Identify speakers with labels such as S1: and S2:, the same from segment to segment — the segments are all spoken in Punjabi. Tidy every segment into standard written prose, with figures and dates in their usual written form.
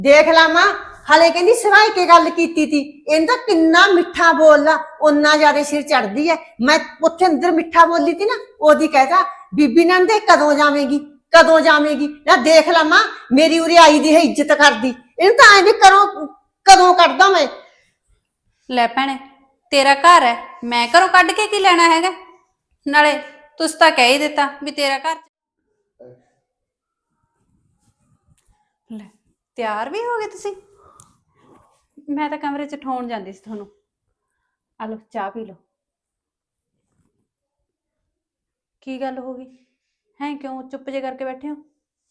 S1: ਦੇਖ ਲਾ ਮਾਂ, ਹਲੇ ਕਹਿੰਦੀ ਸਵਾਈ ਕੇ ਗੱਲ ਕੀਤੀ ਤੀ। ਇਹਨੂੰ ਤਾਂ ਕਿੰਨਾ ਮਿੱਠਾ ਬੋਲਦਾ, ਓਨਾ ਜ਼ਿਆਦਾ ਸਿਰ ਚੜਦੀ ਐ। ਮੈਂ ਉੱਥੇ ਅੰਦਰ ਮਿੱਠਾ ਬੋਲੀ ਤੀ ਨਾ, ਉਹਦੀ ਕਹਿਤਾ ਬੀਬੀ ਨੰਦੇ ਕਦੋਂ ਜਾਵੇਂਗੀ, ਕਦੋਂ ਜਾਵੇਂਗੀ। ਨਾ ਦੇਖ ਲਾ ਮਾਂ, ਮੇਰੀ ਉਰੇ ਆਈ ਦੀ ਹੈ ਇੱਜ਼ਤ ਕਰਦੀ, ਇਹਨੂੰ ਤਾਂ ਐਂ ਵੀ ਕਰੋ ਕਦੋਂ ਕੱਢਦਾ ਮੈਂ।
S2: ਲੈ ਭੈਣੇ, ਤੇਰਾ ਘਰ ਹੈ, ਮੈਂ ਘਰੋਂ ਕੱਢ ਕੇ ਕੀ ਲੈਣਾ ਹੈਗਾ। ਨਾਲੇ ਤੁਸੀਂ ਤਾਂ ਕਹਿ ਹੀ ਦਿੱਤਾ ਵੀ ਤੇਰਾ ਘਰ। ਲੈ, ਤਿਆਰ ਵੀ ਹੋ ਗਏ ਤੁਸੀਂ? ਮੈਂ ਤਾਂ ਕਮਰੇ 'ਚ ਠਾਉਣ ਜਾਂਦੀ ਸੀ ਤੁਹਾਨੂੰ। ਆ ਲਓ ਚਾਹ ਪੀ ਲਓ। ਕੀ ਗੱਲ ਹੋ ਗਈ ਹੈ, ਕਿਉਂ ਚੁੱਪ ਜੇ ਕਰਕੇ ਬੈਠੇ ਹੋ?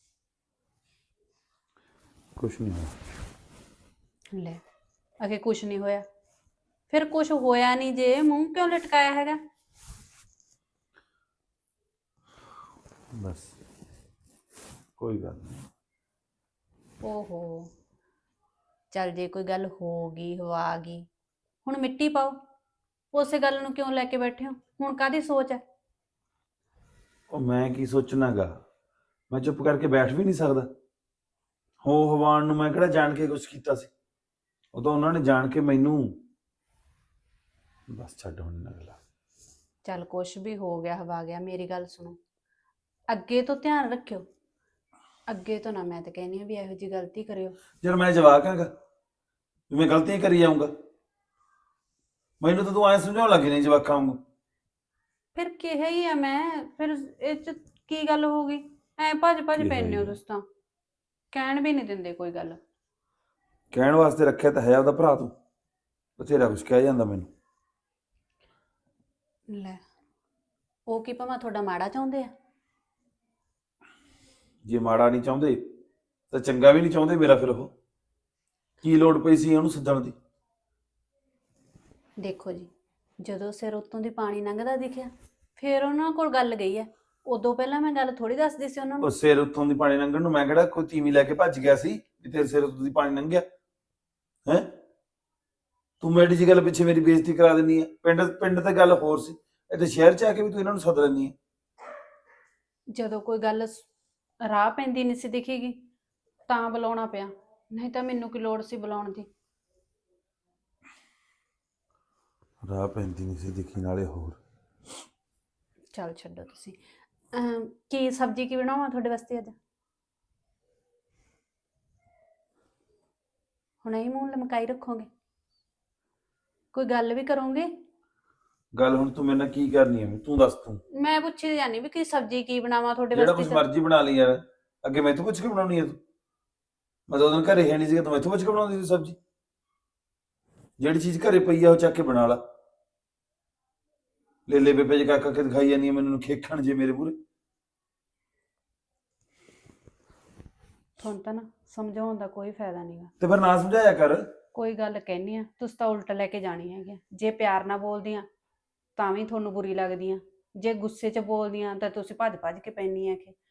S3: ਕੁਛ ਨਹੀਂ ਹੋਇਆ।
S2: ਲੈ, ਅਗੇ ਕੁਛ ਨਹੀਂ ਹੋਇਆ, ਫਿਰ ਕੁਛ ਹੋਇਆ ਨਹੀਂ ਜੇ ਮੂੰਹ ਕਿਉਂ ਲਟਕਾਇਆ ਹੈਗਾ?
S3: ਬਸ ਕੋਈ ਗੱਲ ਨਹੀਂ।
S2: ਓਹੋ, ਚੱਲ ਜੇ ਕੋਈ ਗੱਲ ਹੋ ਗਈ ਹਵਾ ਗਈ, ਹੁਣ ਮਿੱਟੀ ਪਾਓ। ਉਸੇ ਗੱਲ ਨੂੰ ਕਿਉਂ ਲੈ ਕੇ ਬੈਠੇ ਹੋ? ਹੁਣ ਕਾਹਦੀ ਸੋਚ ਹੈ?
S3: ਉਹ ਮੈਂ ਕੀ ਸੋਚਣਾਗਾ, ਮੈਂ ਚੁੱਪ ਕਰਕੇ ਬੈਠ ਵੀ ਨਹੀਂ ਸਕਦਾ। ਹੋ ਹਵਾਨ ਨੂੰ ਮੈਂ ਕਿਹੜਾ ਜਾਣ ਕੇ ਕੁਛ ਕੀਤਾ ਸੀ? ਉਹ ਤਾਂ ਉਹਨਾਂ ਨੇ ਜਾਣ ਕੇ ਮੈਨੂੰ। ਬਸ ਛੱਡ ਹੁਣ ਅਗਲਾ।
S2: ਚੱਲ ਕੁਛ ਵੀ ਹੋ ਗਿਆ ਹਵਾ ਗਿਆ, ਮੇਰੀ ਗੱਲ ਸੁਣੋ, ਅੱਗੇ ਤੋਂ ਧਿਆਨ ਰੱਖਿਓ। ਅੱਗੇ ਤੋਂ ਨਾ, ਮੈਂ ਤਾਂ ਕਹਿੰਦੀ ਹਾਂ ਵੀ ਇਹੋ ਜਿਹੀ ਗਲਤੀ ਕਰਿਓ।
S3: ਯਾਰ ਮੈਂ ਜਵਾਕ ਹੈਗਾ, ਮੈਂ ਗਲਤੀਆਂ ਕਰੀ ਜਾਊਂਗਾ? ਮੈਨੂੰ ਤਾਂ ਤੂੰ ਐਂ ਸਮਝਾਉਣ ਲੱਗੀ ਨਹੀਂ ਜਵਾਕਾਂ ਵਾਂਗੂ।
S2: ਫਿਰ ਕਿਹਾ ਹੀ ਆ ਮੈਂ, ਫਿਰ ਇਹ ਚ ਕੀ ਗੱਲ ਹੋ ਗਈ? ਐ ਭੱਜ ਭੱਜ
S3: ਕਿਹਾ
S2: ਪੈਂਦੇ ਹੋ
S3: ਹੀ ਆ।
S2: ਤੁਸੀਂ ਤਾਂ, ਕਹਿਣ ਵੀ ਨਹੀਂ ਦਿੰਦੇ ਕੋਈ ਗੱਲ।
S3: ਕਹਿਣ ਵਾਸਤੇ ਰੱਖਿਆ ਤਾਂ ਹੈ ਆਪਦਾ ਭਰਾ, ਤੂੰ ਬਥੇਰਾ ਕੁਛ ਕਹਿ ਜਾਂਦਾ ਮੈਨੂੰ।
S2: ਲੈ, ਉਹ ਕੀ ਭਾਵੇਂ ਤੁਹਾਡਾ ਮਾੜਾ ਚਾਹੁੰਦੇ ਆ?
S3: ਜੇ ਮਾੜਾ ਨਹੀਂ ਚਾਹੁੰਦੇ ਤਾਂ ਚੰਗਾ ਵੀ ਨਹੀਂ ਚਾਹੁੰਦੇ ਮੇਰਾ। ਫਿਰ ਉਹ ਕੀ ਲੋੜ ਪਈ ਸੀ ਉਹਨੂੰ ਸੱਦਣ ਦੀ?
S2: ਦੇਖੋ ਜੀ, ਜਦੋਂ ਸਿਰ ਉੱਤੋਂ ਦੀ ਪਾਣੀ ਲੰਘਦਾ ਦਿਖਿਆ, ਫਿਰ ਉਹਨਾਂ ਕੋਲ ਗੱਲ ਗਈ ਹੈ। ਉਦੋਂ ਪਹਿਲਾਂ ਮੈਂ ਗੱਲ ਥੋੜੀ ਦੱਸਦੀ ਸੀ ਉਹਨਾਂ
S3: ਉਹ
S2: ਨੂੰ।
S3: ਸਿਰ ਉੱਤੋਂ ਦੀ ਪਾਣੀ ਲੰਘਣ ਨੂੰ ਮੈਂ ਕਿਹੜਾ ਕੋਈ ਤੀਵੀਂ ਲੈ ਕੇ ਭੱਜ ਗਿਆ ਸੀ ਵੀ ਤੇਰੇ ਸਿਰ ਉੱਤੋਂ ਦੀ ਪਾਣੀ ਲੰਘਿਆ ਹੈ? ਤੂੰ ਮੇਰੀ ਜੀ ਗੱਲ ਪਿੱਛੇ ਮੇਰੀ ਬੇਇੱਜ਼ਤੀ ਕਰਾ ਦਿੰਦੀ ਹੈ। ਪਿੰਡ ਪਿੰਡ ਤੇ ਗੱਲ ਹੋਰ ਸੀ, ਇੱਥੇ ਸ਼ਹਿਰ 'ਚ ਆ ਕੇ ਵੀ ਤੂੰ ਇਹਨਾਂ ਨੂੰ ਸੱਦ ਲੈਂਦੀ ਹੈ।
S2: ਜਦੋਂ ਕੋਈ ਗੱਲ ਰਾਹ ਪੈਂਦੀ ਨਹੀਂ ਸੀ ਦਿਖੇਗੀ ਤਾਂ ਬੁਲਾਉਣਾ ਪਿਆ, ਨਹੀਂ ਤਾਂ ਮੈਨੂੰ ਕੀ ਲੋੜ ਸੀ ਬੁਲਾਉਣ ਦੀ।
S3: ਰਾਹ ਪੈਂਦੀ ਨਹੀਂ ਸੀ ਦਿਖੀ, ਨਾਲੇ ਹੋਰ।
S2: ਚੱਲ ਛੱਡੋ ਤੁਸੀਂ। ਕੀ ਸਬਜ਼ੀ ਕੀ ਬਣਾਵਾਂ ਤੁਹਾਡੇ ਵਾਸਤੇ ਅੱਜ? ਹੁਣ ਇਹ ਮੂੰਹ ਲਮਕਾਈ ਰੱਖੋਗੇ? ਕੋਈ ਗੱਲ ਵੀ ਕਰੋਗੇ?
S3: ਗੱਲ ਹੁਣ ਤੂੰ ਮੇਰੇ ਨਾਲ ਕੀ ਕਰਨੀ ਹੈ ਤੂੰ ਦੱਸ। ਤੂੰ
S2: ਮੈਂ ਪੁੱਛੀ ਜਾਨੀ ਵੀ ਕੀ ਸਬਜ਼ੀ ਕੀ ਬਣਾਵਾਂ ਤੁਹਾਡੇ
S3: ਜਿਹੜਾ
S2: ਵਾਸਤੇ
S3: ਕੁਛ
S2: ਤਾਂ।
S3: ਮਰਜ਼ੀ ਬਣਾ ਲਈ ਯਾਰ, ਅੱਗੇ ਮੈਥੋਂ ਪੁੱਛ ਕੇ ਬਣਾਉਣੀ ਹੈ ਤੂੰ? ਮੈਂ ਤਾਂ ਉਦੋਂ ਘਰੇ ਹੈ ਨਹੀਂ ਸੀਗਾ, ਤੂੰ ਮੈਥੋਂ ਪੁੱਛ ਕੇ ਬਣਾਉਂਦੀ ਸੀ ਸਬਜ਼ੀ? ਜਿਹੜੀ ਚੀਜ਼ ਘਰੇ ਪਈ ਆ ਉਹ ਚੱਕ ਕੇ ਬਣਾ ਲਾ। ਲੈ ਲੈ ਬੇਬੇ ਜੀ ਕਾਕਾ ਕੇ ਦਿਖਾਈ ਜਾਂਦੀ ਹੈ ਮੈਨੂੰ, ਖੇਖਣ ਜੇ ਮੇਰੇ ਮੂਹਰੇ।
S2: ਤੁਹਾਨੂੰ ਤਾਂ ਨਾ ਸਮਝਾਉਣ ਦਾ ਕੋਈ ਫਾਇਦਾ ਨਹੀਂਗਾ।
S3: ਤੇ ਫਿਰ ਨਾ ਸਮਝਾਇਆ ਕਰ।
S2: ਕੋਈ ਗੱਲ ਕਹਿਨੀ ਆ, ਤੁਸੀਂ ਤਾਂ ਉਲਟ ਲੈ ਕੇ ਜਾਣੀ ਹੈਗੀ। ਜੇ ਪਿਆਰ ਨਾਲ ਬੋਲਦੀ ਆ ਤਾਂ ਵੀ ਤੁਹਾਨੂੰ ਬੁਰੀ ਲੱਗਦੀ ਆ, ਜੇ ਗੁੱਸੇ 'ਚ ਬੋਲਦੀ ਆ ਤਾਂ ਤੁਸੀਂ ਭੱਜ ਭੱਜ ਕੇ ਪੈਣੀ ਆ ਕਿ।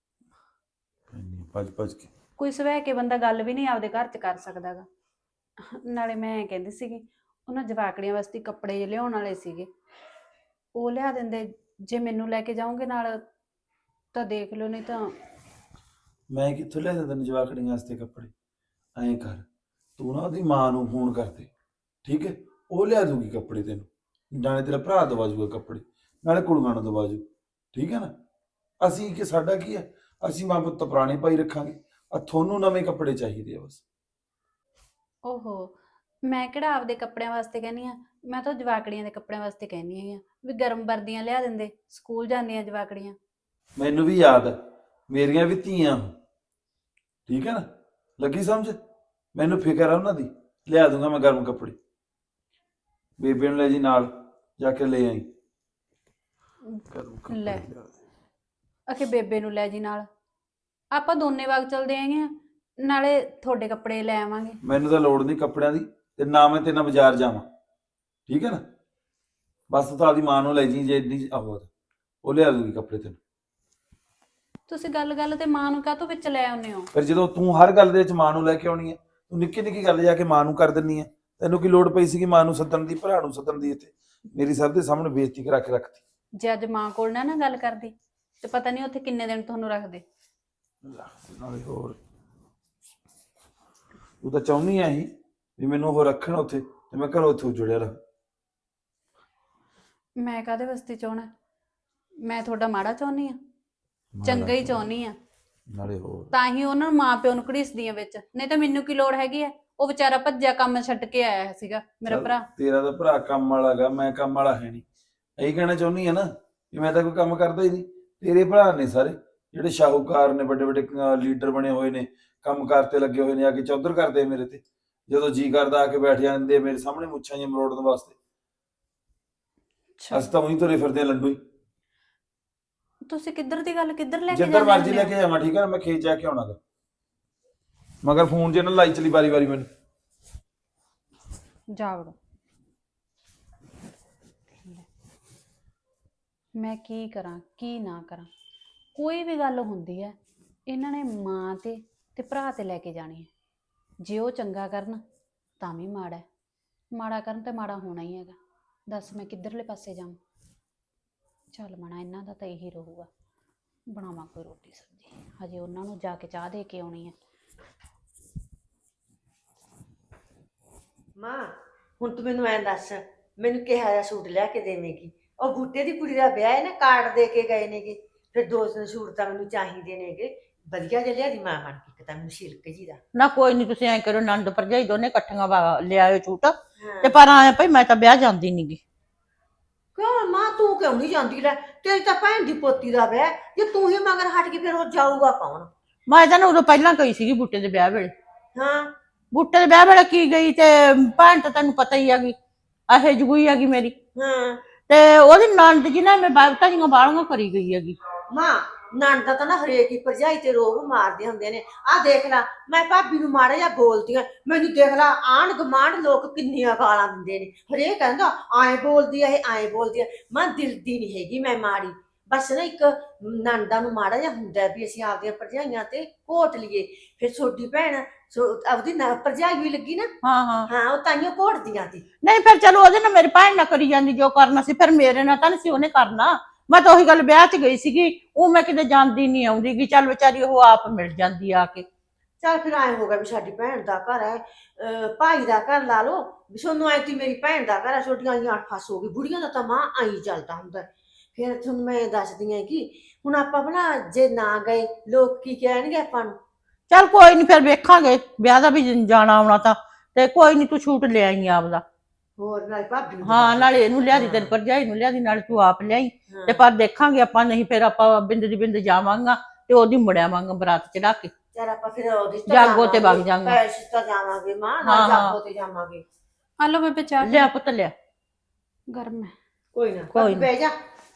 S3: ਭੱਜ ਭੱਜ ਕੇ
S2: ਕੋਈ ਸਵੈ ਕੇ ਬੰਦਾ ਗੱਲ ਵੀ ਨਹੀਂ ਆਪਦੇ ਘਰ 'ਚ ਕਰ ਸਕਦਾਗਾ। ਨਾਲੇ ਮੈਂ ਕਹਿੰਦੀ ਸੀਗੀ, ਉਹਨਾਂ ਜਵਾਕੜੀਆਂ ਵਾਸਤੇ ਕੱਪੜੇ ਜਿਹੇ ਲਿਆਉਣ ਵਾਲੇ ਸੀਗੇ, ਉਹ ਲਿਆ ਦਿੰਦੇ। ਜੇ ਮੈਨੂੰ ਲੈ ਕੇ ਜਾਓਗੇ ਨਾਲ ਤਾਂ ਦੇਖ ਲਿਓ, ਨਹੀਂ ਤਾਂ।
S3: ਮੈਂ ਕਿੱਥੋਂ ਲਿਆ ਦਿੰਦਾ ਜਵਾਕੜੀਆਂ ਵਾਸਤੇ ਕੱਪੜੇ? ਐਂ ਕਰ, ਤੂੰ ਨਾ ਉਹਦੀ ਮਾਂ ਨੂੰ ਫੋਨ ਕਰਦੇ, ਠੀਕ ਹੈ? ਉਹ ਲਿਆ ਦੂਗੀ ਕੱਪੜੇ ਤੈਨੂੰ, ਨਾਲੇ ਤੇਰਾ ਭਰਾ ਦਵਾ ਜੂਗਾ ਕੱਪੜੇ, ਨਾਲੇ ਕੁੜੀਆਂ ਨੂੰ ਦਵਾ ਜੂ, ਠੀਕ ਹੈ ਨਾ? ਅਸੀਂ ਕਿ ਸਾਡਾ ਕੀ ਹੈ, ਅਸੀਂ ਮਾਂ ਪੁੱਤ ਪੁਰਾਣੇ ਪਾਈ ਰੱਖਾਂਗੇ, ਆ ਤੁਹਾਨੂੰ ਨਵੇਂ ਕੱਪੜੇ ਚਾਹੀਦੇ ਆ ਬਸ।
S2: ਓਹੋ, ਮੈਂ ਕਿਹੜਾ ਆਪਦੇ ਕੱਪੜਿਆਂ ਵਾਸਤੇ ਕਹਿੰਦੀ ਆ, ਮੈਂ ਤਾਂ ਜਵਾਕੜੀਆਂ ਦੇ ਕੱਪੜਿਆਂ ਵਾਸਤੇ ਕਹਿੰਦੀ ਆ ਵੀ ਗਰਮ ਵਰਦੀਆਂ ਲਿਆ ਦਿੰਦੇ, ਸਕੂਲ ਜਾਂਦੀਆਂ ਜਵਾਕੜੀਆਂ।
S3: ਮੈਨੂੰ ਵੀ ਯਾਦ ਹੈ, ਮੇਰੀਆਂ ਵੀ ਧੀਆਂ, ਠੀਕ ਹੈ ਨਾ? ਲੱਗੀ ਸਮਝ? ਮੈਨੂੰ ਫਿਕਰ ਆ ਉਹਨਾਂ ਦੀ, ਲਿਆ ਦੂੰਗਾ ਮੈਂ ਗਰਮ ਕੱਪੜੇ। ਬੇਬੇ ਨੂੰ ਲੈ ਜੀ ਨਾਲ, ਜਾ ਕੇ ਲੈ ਆਈ ਗਰਮ ਕੱਪੜੇ
S2: ਲੈ,
S3: ਲਿਆ ਦੇ।
S2: ਆਖੇ ਬੇਬੇ ਨੂੰ ਲੈ ਜੀ ਨਾਲ, ਆਪਾਂ ਦੋਨੇ ਵਗ ਚਲਦੇ ਆਂਗੇ ਆ, ਨਾਲੇ ਤੁਹਾਡੇ ਕੱਪੜੇ ਲੈ ਆਵਾਂਗੇ।
S3: ਮੈਨੂੰ ਤਾਂ ਲੋੜ ਨਹੀਂ ਕੱਪੜਿਆਂ ਦੀ, ਤੇ ਨਾ ਮੈਂ ਤੇਰੇ ਨਾਲ ਬਾਜ਼ਾਰ ਜਾਵਾਂ, ਠੀਕ ਹੈ ਨਾ? ਬਸ ਤੂੰ ਤਾਂ ਆਪਦੀ ਮਾਂ ਨੂੰ ਲੈ ਜੀ, ਜੇ ਇੰਨੀ ਉਹ ਲਿਆ ਦੂਗੀ ਕੱਪੜੇ ਤੈਨੂੰ।
S2: ਤੁਸੀਂ ਗੱਲ ਗੱਲ ਤੇ ਮਾਂ ਨੂੰ ਕਾਹਤੋਂ ਵਿੱਚ ਲੈ ਆਉਂਦੇ ਹੋ?
S3: ਫਿਰ ਜਦੋਂ ਤੂੰ ਹਰ ਗੱਲ ਦੇ ਵਿੱਚ ਮਾਂ ਨੂੰ ਲੈ ਕੇ ਆਉਣੀ ਹੈ, ਤੂੰ ਨਿੱਕੀ ਨਿੱਕੀ ਗੱਲ ਜਾ ਕੇ ਮਾਂ ਨੂੰ ਕਰ ਦਿੰਨੀ ਹੈ। ਤੈਨੂੰ ਕੀ ਲੋੜ ਪਈ ਸੀਗੀ ਮਾਂ ਨੂੰ ਸੱਦਣ ਦੀ, ਭਰਾ ਨੂੰ ਸੱਦਣ ਦੀ? ਇੱਥੇ ਮੇਰੀ ਸਭ ਦੇ ਸਾਹਮਣੇ ਬੇਇੱਜ਼ਤੀ ਕਰਾ ਕੇ ਰੱਖਤੀ।
S2: ਜੇ ਅੱਜ ਮਾਂ ਕੋਲ ਨਾ ਗੱਲ ਕਰਦੀ ਤੇ ਪਤਾ ਨਹੀਂ ਉੱਥੇ ਕਿੰਨੇ ਦਿਨ ਤੁਹਾਨੂੰ ਰੱਖਦੇ।
S3: ਨਾਲੇ ਹੋਰ ਤੂੰ ਤਾਂ ਚਾਹੁੰਦੀ ਆ ਹੀ ਵੀ ਮੈਨੂੰ ਉਹ ਰੱਖਣ ਉੱਥੇ ਤੇ ਮੈਂ ਘਰੋਂ ਉੱਥੇ ਜੁੜਿਆ ਰਹਾਂ।
S2: ਮੈਂ ਕਾਹਦੇ ਵਾਸਤੇ ਚਾਹਣਾ? ਮੈਂ ਤੁਹਾਡਾ ਮਾੜਾ ਚਾਹੁੰਦੀ ਆ?
S3: ਮਾੜਾ
S2: ਚੰਗਾ ਹੀ
S3: ਕਿਉਂ?
S2: ਚਾਹੁੰਦੀ ਆ।
S3: ਨਾਲੇ ਹੋਰ
S2: ਤਾਂ ਹੀ ਉਹਨਾਂ ਨੂੰ ਮਾਂ ਪਿਓ ਨੂੰ ਘੜੀਸਦੀਆਂ ਵਿੱਚ, ਨਹੀਂ ਤਾਂ ਮੈਨੂੰ ਕੀ ਲੋੜ ਹੈਗੀ ਆ? ਉਹ ਵਿਚਾਰਾ ਭੱਜਿਆ ਕੰਮ ਛੱਡ ਕੇ ਆਇਆ ਸੀਗਾ ਮੇਰਾ
S3: ਚੱਲ,
S2: ਭਰਾ।
S3: ਤੇਰਾ ਤਾਂ ਭਰਾ ਕੰਮ ਵਾਲਾ ਗਾ, ਮੈਂ ਕੰਮ ਵਾਲਾ ਹੈ ਨਹੀਂ। ਇਹੀ ਕਹਿਣਾ ਚਾਹੁੰਦੀ ਆ ਨਾ ਕਿ ਮੈਂ ਤਾਂ ਕੋਈ ਕੰਮ ਕਰਦਾ ਹੀ ਨਹੀਂ। ਤੇਰੇ ਭਰਾ ਨੇ ਸਾਰੇ ਜਿਹੜੇ ਸ਼ਾਹੂਕਾਰ ਨੇ, ਵੱਡੇ ਵੱਡੇ ਲੀਡਰ ਬਣੇ ਹੋਏ ਨੇ, ਕੰਮ ਕਰਤੇ ਲੱਗੇ ਹੋਏ ਨੇ, ਆ ਕੇ ਚੌਧਰ ਕਰਦੇ ਆ ਮੇਰੇ ਤੇ। ਜਦੋਂ ਜੀ ਕਰਦਾ ਆ ਕੇ ਬੈਠ ਜਾਂਦੇ ਆ ਮੇਰੇ ਸਾਹਮਣੇ ਮੁੱਛਾਂ ਜਿਹੀਆਂ ਮਰੋੜਨ ਵਾਸਤੇ। ਅਸੀਂ ਤਾਂ ਉਹੀ ਤੁਰੇ ਫਿਰਦੇ ਆ ਲੰਡੂ ਹੀ।
S2: ਤੁਸੀਂ ਕਿੱਧਰ ਦੀ ਗੱਲ ਕਿੱਧਰ ਲੈ ਕੇ
S3: ਜਿੱਧਰ
S2: ਜਾਂਦੇ
S3: ਮਰਜ਼ੀ ਲੈ
S2: ਹੁੰਦੇ
S3: ਕੇ ਜਾਵਾਂ, ਠੀਕ ਹੈ? ਮੈਂ ਖੇਤ ਜਾ ਕੇ ਆਉਣਾਗਾ, ਮਗਰ ਫੋਨ ਜੇ ਨਾ ਲਾਈ ਚਲੀ ਵਾਰੀ ਵਾਰੀ ਮੈਨੂੰ।
S2: ਹੋ? ਜਾ ਵੜੋ। ਮੈਂ ਕੀ ਕਰਾਂ ਕੀ ਨਾ ਕਰਾਂ? ਕੋਈ ਵੀ ਗੱਲ ਹੁੰਦੀ ਹੈ ਇਹਨਾਂ ਨੇ ਮਾਂ ਤੇ ਭਰਾ ਤੇ ਲੈ ਕੇ ਜਾਣੀ ਹੈ। ਜੇ ਉਹ ਚੰਗਾ ਕਰਨ ਤਾਂ ਵੀ ਮਾੜਾ ਹੈ, ਮਾੜਾ ਕਰਨ ਤੇ ਮਾੜਾ ਹੋਣਾ ਹੀ ਹੈਗਾ। ਦੱਸ ਮੈਂ ਕਿੱਧਰਲੇ ਪਾਸੇ ਜਾਵਾਂ? ਚੱਲ ਮਣਾ ਇਹਨਾਂ ਦਾ ਤਾਂ ਇਹੀ ਰਹੂਗਾ, ਬਣਾਵਾਂ ਕੋਈ ਰੋਟੀ ਸਬਜ਼ੀ। ਹਜੇ ਉਹਨਾਂ ਨੂੰ ਜਾ ਕੇ ਚਾਹ ਦੇ ਕੇ ਆਉਣੀ ਹੈ।
S1: ਮਾਂ ਹੁਣ ਤੂੰ ਮੈਨੂੰ ਐਂ ਦੱਸ, ਮੈਨੂੰ ਕਿਹਾ ਜਿਹਾ ਸੂਟ ਲਿਆ ਕੇ ਦੇਵੇਂਗੀ? ਉਹ ਬੂਟੇ ਦੀ ਕੁੜੀ ਦਾ ਵਿਆਹ ਹੈ ਨਾ, ਕਾਰਡ ਦੇ ਕੇ ਗਏ ਨੇਗੇ, ਫਿਰ 2 ਸੂਟ ਤਾਂ ਮੈਨੂੰ ਚਾਹੀਦੇ ਨੇਗੇ ਵਧੀਆ ਜਿਹਾ। ਲਿਆ ਦੀ ਮਾਂ ਬਣ ਕੇ, ਇੱਕ ਤਾਂ ਮੈਨੂੰ ਸਿਲਕ ਜੀ ਦਾ।
S4: ਨਾ ਕੋਈ ਨਹੀਂ, ਤੁਸੀਂ ਐਂ ਕਰੋ, ਨੰਦ ਭਰਜਾਈ ਦੋਨੇ ਇਕੱਠੀਆਂ ਲਿਆਇਓ ਛੂਟ।
S1: ਹਾਂ।
S4: ਤੇ ਪਰ ਆਇਆ ਭਾਈ ਮੈਂ ਤਾਂ ਵਿਆਹ ਜਾਂਦੀ ਨੀ ਗੀ।
S1: ਕਿਉਂ ਮਾਂ, ਤੂੰ ਕਿਉਂ ਨਹੀਂ ਜਾਂਦੀ? ਲੈ ਤੇਰੀ ਤਾਂ ਭੈਣ ਦੀ ਪੋਤੀ ਦਾ ਵਿਆਹ, ਜੇ ਤੂੰ ਹੀ ਮਗਰ ਹਟ ਕੇ ਫਿਰ ਉਹ ਜਾਊਗਾ ਕੌਣ?
S4: ਮੈਂ ਤਾਂ ਨਾ ਉਦੋਂ ਪਹਿਲਾਂ ਗਈ ਸੀਗੀ ਬੂਟੇ ਦੇ ਵਿਆਹ ਵੇਲੇ।
S1: ਹਾਂ।
S4: ਬੂਟੇ ਦੇ ਵਿਆਹ ਵੇਲੇ ਕੀ ਗਈ, ਤੇ ਭੈਣ ਤਾਂ ਤੈਨੂੰ ਪਤਾ ਹੀ ਹੈਗੀ, ਇਹ ਜਗੂਈ ਹੈਗੀ ਮੇਰੀ।
S1: ਹਾਂ
S4: ਤੇ ਉਹਦੀ ਨੰਦ ਜੀ ਨਾ ਮੈਂ ਬਾਬਤਾ ਦੀਆਂ ਬਾਲੀਆਂ ਕਰੀ ਗਈ ਹੈਗੀ।
S1: ਮਾਂ, ਨਣਦਾ ਤਾਂ ਨਾ ਹਰੇਕ ਹੀ ਭਰਜਾਈ ਤੇ ਰੋਬ ਮਾਰਦੇ ਹੁੰਦੇ ਨੇ। ਆਹ ਦੇਖ ਲਾ, ਮੈਂ ਭਾਬੀ ਨੂੰ ਮਾੜਾ ਜਿਹਾ ਬੋਲਦੀ ਆ, ਮੈਨੂੰ ਦੇਖ ਲਾ ਆਂਢ ਗੁਆਂਢ ਲੋਕ ਕਿੰਨੀਆਂ ਗਾਲਾਂ ਦਿੰਦੇ ਨੇ। ਹਰੇਕ ਕਹਿੰਦਾ ਐਂ ਬੋਲਦੀ ਆ, ਇਹ ਐਂ ਬੋਲਦੀ ਆ। ਮਾਂ ਦਿਲ ਦੀ ਨਹੀਂ ਹੈਗੀ ਮੈਂ ਮਾੜੀ, ਬਸ ਨਾ ਇੱਕ ਨਣਦਾ ਨੂੰ ਮਾੜਾ ਜਿਹਾ ਹੁੰਦਾ ਵੀ ਅਸੀਂ ਆਪਦੀਆਂ ਭਰਜਾਈਆਂ ਤੇ ਘੋਟ ਲਈਏ। ਫਿਰ ਛੋਟੀ ਭੈਣ ਆਪਦੀ ਭਰਜਾਈ ਵੀ ਲੱਗੀ ਨਾ।
S4: ਹਾਂ ਹਾਂ
S1: ਹਾਂ, ਉਹ ਤਾਈਓ ਘੋਟਦੀਆਂ ਸੀ।
S4: ਨਹੀਂ ਫਿਰ ਚਲੋ ਉਹਦੇ ਨਾਲ ਮੇਰੀ ਭੈਣ ਨਾਲ ਕਰੀ ਜਾਂਦੀ ਜੋ ਕਰਨਾ ਸੀ, ਫਿਰ ਮੇਰੇ ਨਾਲ ਤਾਂ ਨਹੀਂ ਸੀ ਉਹਨੇ ਕਰਨਾ। ਮੈਂ ਤਾਂ ਉਹੀ ਗੱਲ ਵਿਆਹ 'ਚ ਗਈ ਸੀਗੀ, ਉਹ ਮੈਂ ਕਿਤੇ ਜਾਂਦੀ ਨਹੀਂ ਆਉਂਦੀ ਗੀ। ਚੱਲ ਵਿਚਾਰੀ ਉਹ ਆਪ ਮਿਲ ਜਾਂਦੀ ਆ ਕੇ।
S1: ਚੱਲ ਫਿਰ ਐਂ ਹੋ ਗਿਆ ਵੀ ਸਾਡੀ ਭੈਣ ਦਾ ਘਰ ਹੈ, ਭਾਈ ਦਾ ਘਰ ਲਾ ਲਓ ਵੀ ਸੋਨੂੰ ਐ ਤੀ ਮੇਰੀ ਭੈਣ ਦਾ ਘਰ ਹੈ। ਛੋਟੀਆਂ ਆਈਆਂ 8 ਫਸ ਹੋ ਗਈ, ਬੁੜੀਆਂ ਦਾ ਤਾਂ ਮਾਂ ਆਈ ਚੱਲਦਾ ਹੁੰਦਾ। ਫਿਰ ਤੁਹਾਨੂੰ ਮੈਂ ਦੱਸਦੀ ਹਾਂ ਕਿ ਹੁਣ ਆਪਾਂ ਬਣਾ ਜੇ ਨਾ ਗਏ ਲੋਕ ਕੀ ਕਹਿਣਗੇ ਆਪਾਂ ਨੂੰ।
S4: ਚੱਲ ਕੋਈ ਨੀ, ਫਿਰ ਵੇਖਾਂਗੇ ਵਿਆਹ ਦਾ ਵੀ ਜਾਣਾ ਆਉਣਾ ਤਾਂ। ਤੇ ਕੋਈ ਨੀ, ਤੂੰ ਛੂਟ ਲਿਆਈ ਆਪਦਾ।
S1: ਹੋਰ ਨਾਲ ਭਾਬੀ ਨੂੰ
S4: ਹਾਂ, ਨਾਲੇ ਇਹਨੂੰ ਲਿਆ ਦੀ, ਤੇਰੀ ਭਰਜਾਈ ਨੂੰ ਲਿਆ ਦੀ, ਨਾਲੇ ਤੂੰ ਆਪ ਲਿਆਈ।
S1: ਹਾਂ।
S4: ਤੇ ਪਰ ਦੇਖਾਂਗੇ ਆਪਾਂ, ਨਹੀਂ ਫਿਰ ਆਪਾਂ ਬਿੰਦ ਦੀ ਬਿੰਦ ਜਾਵਾਂਗਾ ਤੇ ਉਹਦੀ ਮੁੜਿਆ ਵਾਂਗਾ ਬਰਾਤ ਚੜਾ ਕੇ
S1: ਚੱਲ ਆਪਾਂ ਫਿਰ ਉਹਦੀ
S4: ਜਾਗੋ ਤੇ ਵਗ ਜਾਵਾਂਗੇ।
S1: ਪੈਸੇ ਤਾਂ ਜਾਵਾਂਗੇ ਮਾਂ, ਨਾਲ
S4: ਹਾਂ, ਹਾਂ।
S1: ਜਾਗੋ ਤੇ ਜਾਵਾਂਗੇ।
S2: ਆ ਲਓ ਬੇਬੇ ਚਾਹ।
S4: ਲਿਆ ਪੁੱਤ ਲਿਆ।
S2: ਗਰਮ ਹੈ।
S1: ਕੋਈ ਨਾ
S4: ਕੋਈ
S1: ਬਹਿ ਜਾ।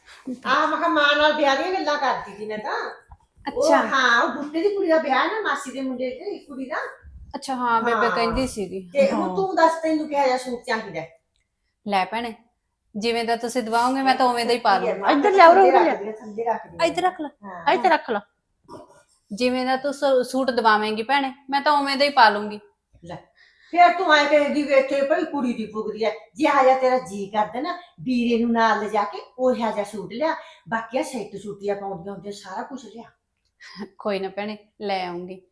S1: ਆ ਮੈਂ ਕਿਹਾ ਮਾਂ ਨਾਲ ਵਿਆਹ ਦੀਆਂ ਗੱਲਾਂ ਕਰਦੀ ਸੀ ਮੈਂ ਤਾਂ।
S2: ਅੱਛਾ
S1: ਹਾਂ, ਉਹ ਬੁੱਟੇ ਦੀ ਕੁੜੀ ਦਾ ਵਿਆਹ ਨਾ, ਮਾਸੀ ਦੇ ਮੁੰਡੇ ਦੀ ਕੁੜੀ ਦਾ।
S2: ਅੱਛਾ, ਹਾਂ ਬੇਬੇ
S1: ਹਾਂ।
S2: ਕਹਿੰਦੀ ਸੀਗੀ।
S1: ਤੇ ਹੁਣ ਤੂੰ ਦੱਸ ਤੈਨੂੰ ਕਿਹਾ ਜਿਹਾ ਸੂਟ ਚਾਹੀਦਾ?
S2: ਲੈ ਭੈਣੇ, ਜਿਵੇਂ ਦਾ ਤੁਸੀਂ ਦਵਾਓਗੇ ਮੈਂ ਤਾਂ ਉਵੇਂ ਦਾ ਹੀ ਪਾ ਲੂੰਗੀ।
S4: ਇੱਧਰ ਲਿਆਓ,
S1: ਥੱਲੇ
S4: ਉਰੇ
S1: ਰੱਖ ਦੇ, ਥੱਲੇ ਰੱਖ ਦੇ।
S2: ਇੱਧਰ ਰੱਖ ਲੈ।
S1: ਹਾਂ।
S4: ਇੱਥੇ ਰੱਖ ਲਾ।
S2: ਜਿਵੇਂ ਦਾ ਤੂੰ ਸੂਟ ਦਵਾਵੇਂਗੀ ਭੈਣੇ, ਮੈਂ ਤਾਂ ਉਵੇਂ ਦਾ ਹੀ ਪਾ ਲੂੰਗੀ।
S1: ਲੈ ਫਿਰ ਤੂੰ ਐ ਕਹੇਗੀ ਵੀ ਇੱਥੇ ਭਾਈ ਕੁੜੀ ਦੀ ਪੁੱਗਦੀ ਐ। ਜੇ ਆ ਜਾ ਤੇਰਾ ਜੀ ਕਰਦਾ ਨਾ ਵੀਰੇ ਨੂੰ ਨਾਲ ਲਿਜਾ ਕੇ ਉਹ ਜਿਹਾ ਸੂਟ ਲਿਆ, ਬਾਕੀ ਆ ਸੈੱਟ ਸੂਟੀਆਂ ਪਾਉਂਦੀਆਂ ਹੁੰਦੀਆਂ, ਸਾਰਾ ਕੁਝ ਲਿਆ।
S2: ਕੋਈ ਨਾ ਭੈਣੇ, ਲੈ ਆਉਂਗੀ।